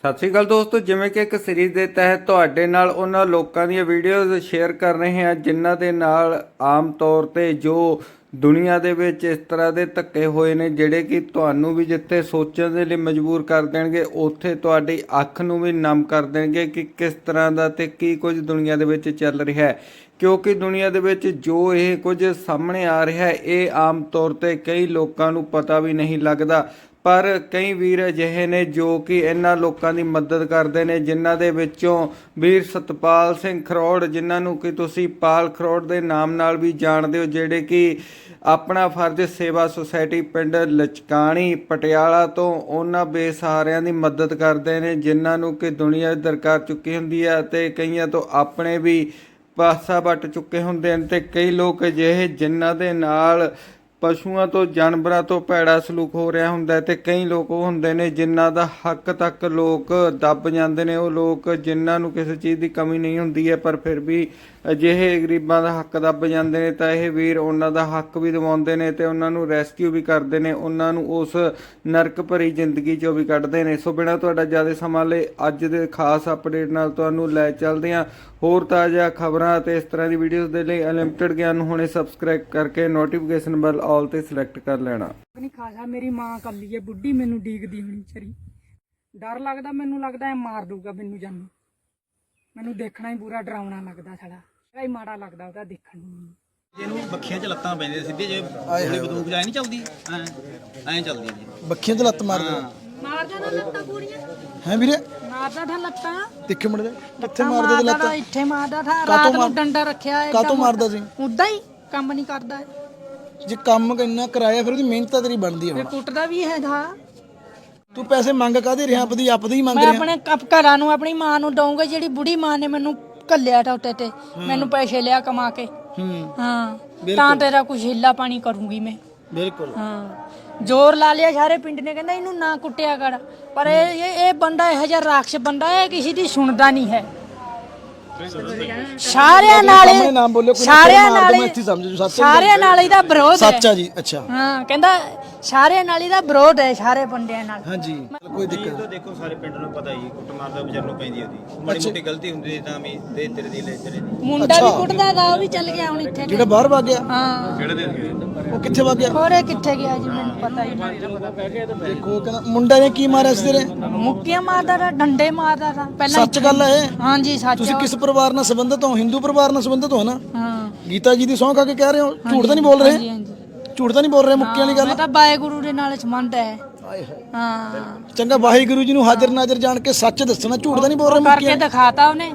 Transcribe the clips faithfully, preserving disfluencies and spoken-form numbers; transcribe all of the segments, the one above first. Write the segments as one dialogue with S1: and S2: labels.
S1: ਸਤਿ ਸ਼੍ਰੀ ਅਕਾਲ ਦੋਸਤੋ, ਜਿਵੇਂ ਕਿ ਇੱਕ ਸੀਰੀਜ਼ ਦੇ ਤਹਿਤ ਤੁਹਾਡੇ ਨਾਲ ਉਹਨਾਂ ਲੋਕਾਂ ਦੀਆਂ ਵੀਡੀਓਜ਼ ਸ਼ੇਅਰ ਕਰ ਰਹੇ ਹਾਂ ਜਿਨ੍ਹਾਂ ਦੇ ਨਾਲ ਆਮ ਤੌਰ ਤੇ ਜੋ ਦੁਨੀਆ ਦੇ ਵਿੱਚ ਇਸ ਤਰ੍ਹਾਂ ਦੇ ਧੱਕੇ ਹੋਏ ਨੇ ਜਿਹੜੇ ਕਿ ਤੁਹਾਨੂੰ ਵੀ ਜਿੱਥੇ ਸੋਚਣ ਦੇ ਲਈ ਮਜਬੂਰ ਕਰ ਦੇਣਗੇ ਉੱਥੇ ਤੁਹਾਡੀ ਅੱਖ ਨੂੰ ਵੀ ਨਮ ਕਰ ਦੇਣਗੇ ਕਿ ਕਿਸ ਤਰ੍ਹਾਂ ਦਾ ਤੇ ਕੀ ਕੁਝ ਦੁਨੀਆ ਦੇ ਵਿੱਚ ਚੱਲ ਰਿਹਾ ਹੈ। ਕਿਉਂਕਿ ਦੁਨੀਆ ਦੇ ਵਿੱਚ ਜੋ ਇਹ ਕੁਝ ਸਾਹਮਣੇ ਆ ਰਿਹਾ ਹੈ ਇਹ ਆਮ ਤੌਰ ਤੇ ਕਈ ਲੋਕਾਂ ਨੂੰ ਪਤਾ ਵੀ ਨਹੀਂ ਲੱਗਦਾ, ਪਰ ਕਈ ਵੀਰ ਅਜਿਹੇ ਨੇ ਜੋ ਕਿ ਇਹਨਾਂ ਲੋਕਾਂ ਦੀ ਮਦਦ ਕਰਦੇ ਨੇ, ਜਿਨ੍ਹਾਂ ਦੇ ਵਿੱਚੋਂ ਵੀਰ ਸਤਪਾਲ ਸਿੰਘ ਖਰੋੜ, ਜਿਨ੍ਹਾਂ ਨੂੰ ਕਿ ਤੁਸੀਂ ਪਾਲ ਖਰੋੜ ਦੇ ਨਾਮ ਨਾਲ ਵੀ ਜਾਣਦੇ ਹੋ, ਜਿਹੜੇ ਕਿ ਆਪਣਾ ਫਰਜ਼ ਸੇਵਾ ਸੁਸਾਇਟੀ ਪਿੰਡ ਲਚਕਾਣੀ ਪਟਿਆਲਾ ਤੋਂ ਉਹਨਾਂ ਬੇਸਹਾਰਿਆਂ ਦੀ ਮਦਦ ਕਰਦੇ ਨੇ ਜਿਨ੍ਹਾਂ ਨੂੰ ਕਿ ਦੁਨੀਆ ਦਰਕਾਰ ਚੁੱਕੀ ਹੁੰਦੀ ਹੈ ਅਤੇ ਕਈਆਂ ਤੋਂ ਆਪਣੇ ਵੀ ਪਾਸਾ ਵੱਟ ਚੁੱਕੇ ਹੁੰਦੇ ਹਨ। ਅਤੇ ਕਈ ਲੋਕ ਅਜਿਹੇ ਜਿਨ੍ਹਾਂ ਦੇ ਨਾਲ ਪਸ਼ੂਆਂ ਤੋਂ ਜਾਨਵਰਾਂ ਤੋਂ ਭੈੜਾ ਸਲੂਕ ਹੋ ਰਿਹਾ ਹੁੰਦਾ ਤੇ ਕਈ ਲੋਕ ਉਹ ਹੁੰਦੇ ਨੇ ਜਿਨ੍ਹਾਂ ਦਾ ਹੱਕ ਤੱਕ ਲੋਕ ਦੱਬ ਜਾਂਦੇ ਨੇ। ਉਹ ਲੋਕ ਜਿਨ੍ਹਾਂ ਨੂੰ ਕਿਸੇ ਚੀਜ਼ ਦੀ ਕਮੀ ਨਹੀਂ ਹੁੰਦੀ ਹੈ ਪਰ ਫਿਰ ਵੀ ਅਜਿਹੇ ਗਰੀਬਾਂ ਦਾ ਹੱਕ ਦੱਬ ਜਾਂਦੇ ਨੇ, ਤਾਂ ਇਹ ਵੀਰ ਉਹਨਾਂ ਦਾ ਹੱਕ ਵੀ ਦਿਵਾਉਂਦੇ ਨੇ ਤੇ ਉਹਨਾਂ ਨੂੰ ਰੈਸਕਿਊ ਵੀ ਕਰਦੇ ਨੇ, ਉਹਨਾਂ ਨੂੰ ਉਸ ਨਰਕ ਭਰੀ ਜ਼ਿੰਦਗੀ 'ਚੋਂ ਵੀ ਕੱਢਦੇ ਨੇ। ਸੋ ਬਿਨਾਂ ਤੁਹਾਡਾ ਜ਼ਿਆਦਾ ਸਮਾਂ ਲਈ ਅੱਜ ਦੇ ਖਾਸ ਅਪਡੇਟ ਨਾਲ ਤੁਹਾਨੂੰ ਲੈ ਚੱਲਦੇ ਹਾਂ। ਹੋਰ ਤਾਜ਼ਾ ਖਬਰਾਂ ਅਤੇ ਇਸ ਤਰ੍ਹਾਂ ਦੀ ਵੀਡੀਓਜ਼ ਦੇ ਲਈ ਅਨਲਿਮਟਿਡ ਗਿਆਨ ਨੂੰ ਹੁਣੇ ਸਬਸਕ੍ਰਾਈਬ ਕਰਕੇ ਨੋਟੀਫਿਕੇਸ਼ਨ ਬੈਲ ਆਲ ਤੇ ਸਿਲੈਕਟ ਕਰ ਲੈਣਾ।
S2: ਨਹੀਂ ਖਾਸਾ ਮੇਰੀ ਮਾਂ ਕੱਲੀ ਹੈ ਬੁੱਢੀ, ਮੈਨੂੰ ਡੀਕਦੀ ਹੋਣੀ ਚਰੀ, ਡਰ ਲੱਗਦਾ, ਮੈਨੂੰ ਲੱਗਦਾ ਇਹ ਮਾਰ ਦੂਗਾ ਮੈਨੂੰ ਜਾਨੂੰ, ਮੈਨੂੰ ਦੇਖਣਾ ਹੀ ਪੂਰਾ ਡਰਾਉਣਾ ਲੱਗਦਾ, ਸਾਡਾ ਹੀ ਮਾੜਾ ਲੱਗਦਾ ਉਹਦਾ ਦੇਖਣ ਨੂੰ।
S3: ਇਹਨੂੰ ਬੱਖੀਆਂ 'ਚ ਲੱਤਾਂ ਪੈਂਦੀਆਂ ਸਿੱਧੇ, ਜੇ ਹੁਣੇ ਬੰਦੂਕ ਜਾਏ ਨਹੀਂ ਚੱਲਦੀ ਐ ਐਂ ਚੱਲਦੀ ਜੀ,
S4: ਬੱਖੀਆਂ 'ਚ ਲੱਤ ਮਾਰਦਾ
S2: ਮਾਰਦਾ ਨਾ ਲੱਤਾਂ ਪੂਰੀਆਂ
S4: ਹੈ ਵੀਰੇ,
S2: ਮਾਰਦਾ ਥਾ ਲੱਤਾਂ
S4: ਦੇਖੇ ਮੁੰਡੇ ਕਿੱਥੇ ਮਾਰਦਾ ਤੇ ਲੱਤਾਂ,
S2: ਇੱਥੇ ਮਾਰਦਾ ਥਾ, ਰਾਤ ਨੂੰ ਡੰਡਾ ਰੱਖਿਆ ਹੈ,
S4: ਕਾਤੋਂ ਮਾਰਦਾ ਸੀ,
S2: ਉਦਾਂ ਹੀ ਕੰਮ ਨਹੀਂ ਕਰਦਾ,
S4: ਜੇ ਕੰਮ ਇੰਨਾ ਕਰਾਇਆ ਫਿਰ ਉਹਦੀ ਮਿਹਨਤ ਤਾਂ ਤੇਰੀ ਬਣਦੀ ਹੈ।
S2: ਕੁੱਟਦਾ ਵੀ ਹੈ ਥਾ।
S4: ਤੂੰ ਪੈਸੇ ਮੰਗ ਕਾਹਦੇ ਰਿਹਾ, ਆਪਦੀ ਆਪਦੀ ਹੀ ਮੰਗ
S2: ਮੈਂ
S4: ਰਿਹਾ।
S2: ਆਪਣੇ ਘਰਾਂ ਨੂੰ ਆਪਣੀ ਮਾਂ ਨੂੰ ਦਊਂਗਾ, ਜਿਹੜੀ ਬੁੜੀ ਮਾਂ ਨੇ ਮੈਨੂੰ ਕੱਲਿਆ ਟੋਟੇ ਤੇ, ਮੈਨੂੰ ਪੈਸੇ ਲਿਆ ਕਮਾ ਕੇ, ਹਾਂ ਤਾਂ ਤੇਰਾ ਕੁਝ ਹਿੱਲਾ ਪਾਣੀ ਕਰੂੰਗੀ ਮੈਂ,
S4: ਬਿਲਕੁਲ
S2: ਹਾਂ। ਜ਼ੋਰ ਲਾ ਲਿਆ ਸਾਰੇ ਪਿੰਡ ਨੇ, ਕਹਿੰਦਾ ਇਹਨੂੰ ਨਾ ਕੁੱਟਿਆ ਕਰ, ਪਰ ਇਹ ਇਹ ਬੰਦਾ ਇਹੋ ਜਿਹਾ ਰਾਖਸ਼ ਬੰਦਾ ਹੈ, ਕਿਸੇ ਦੀ ਸੁਣਦਾ ਨਹੀਂ ਹੈ। ਸਾਰਿਆਂ ਨਾਲ
S4: ਨਾਮ ਬੋਲਿਓ,
S2: ਸਾਰਿਆਂ ਨਾਲ
S4: ਇੱਥੇ ਸਮਝ ਜੋ ਸੱਚ,
S2: ਸਾਰਿਆਂ ਨਾਲ ਇਹਦਾ ਵਿਰੋਧ ਹੈ।
S4: ਸੱਚ ਆ ਜੀ, ਅੱਛਾ
S2: ਹਾਂ ਕਹਿੰਦਾ ਸਾਰਿਆਂ ਨਾਲ ਇਹਦਾ ਵਿਰੋਧ ਹੈ, ਸਾਰੇ ਬੰਦਿਆਂ ਨਾਲ।
S4: ਹਾਂਜੀ ਕੋਈ ਦਿੱਕਤ
S3: ਤਾਂ ਦੇਖੋ ਸਾਰੇ ਪਿੰਡ ਨੂੰ ਪਤਾ ਹੀ ਕੁੱਟ ਮਾਰਦਾ ਵਿਚਾਰ ਨੂੰ ਪੈਂਦੀ ਉਹਦੀ ਮਾੜੀ ਮੋਟੀ ਗਲਤੀ ਹੁੰਦੀ ਤਾਂ ਵੀ ਦੇ ਤੇਰੇ ਦੀ ਲੈ ਤੇਰੇ ਦੀ।
S2: ਮੁੰਡਾ ਵੀ ਕੁੱਟਦਾ ਦਾ, ਉਹ ਵੀ ਚੱਲ ਗਿਆ ਹੁਣ ਇੱਥੇ,
S4: ਜਿਹੜਾ ਬਾਹਰ ਵਗ ਗਿਆ,
S2: ਹਾਂ
S3: ਕਿਹੜੇ ਦੇ
S4: ਉਹ ਕਿੱਥੇ ਵਗ ਗਿਆ,
S2: ਹੋਰੇ ਕਿੱਥੇ ਗਿਆ ਜੀ ਮੈਨੂੰ ਪਤਾ ਹੀ ਨਹੀਂ।
S4: ਦੇਖੋ ਕਹਿੰਦਾ ਮੁੰਡੇ ਨੇ ਕੀ ਮਾਰਿਆ ਸੀ ਤੇਰੇ,
S2: ਮੁੱਕੀਆਂ ਮਾਰਦਾ ਤਾ, ਡੰਡੇ ਮਾਰਦਾ ਤਾ ਪਹਿਲਾਂ।
S4: ਸੱਚ ਗੱਲ ਹੈ ਇਹ?
S2: ਹਾਂਜੀ ਸੱਚ।
S4: ਤੁਸੀਂ ਕਿਸ ਪਰਿਵਾਰ ਨਾਲ ਸੰਬੰਧਿਤ ਹੋ? ਹਿੰਦੂ ਪਰਿਵਾਰ ਨਾਲ ਸੰਬੰਧਿਤ ਹੋ ਨਾ?
S2: ਹਾਂ
S4: ਗੀਤਾ ਜੀ ਦੀ ਸਹੁੰ ਖਾ ਕੇ ਕਹਿ ਰਹੇ ਹੋ, ਝੂਠ ਤਾਂ ਨਹੀਂ ਬੋਲ ਰਹੇ?
S2: ਹਾਂਜੀ ਹਾਂਜੀ,
S4: ਝੂਠ ਤਾਂ ਨਹੀਂ ਬੋਲ ਰਹੇ? ਮੁੱਕੀ ਵਾਲੀ ਗੱਲ
S2: ਮੈਂ ਤਾਂ ਵਾਹਿਗੁਰੂ ਦੇ ਨਾਲ ਸੰਬੰਧ ਹੈ। ਹਾਂ
S4: ਚੰਗਾ, ਵਾਹਿਗੁਰੂ ਜੀ ਨੂੰ ਹਾਜ਼ਰ ਨਾਜ਼ਰ ਜਾਣ ਕੇ ਸੱਚ ਦੱਸਣਾ, ਝੂਠ ਤਾਂ ਨਹੀਂ ਬੋਲ ਰਹੇ?
S2: ਕਰਕੇ ਦਿਖਾਤਾ ਉਹਨੇ,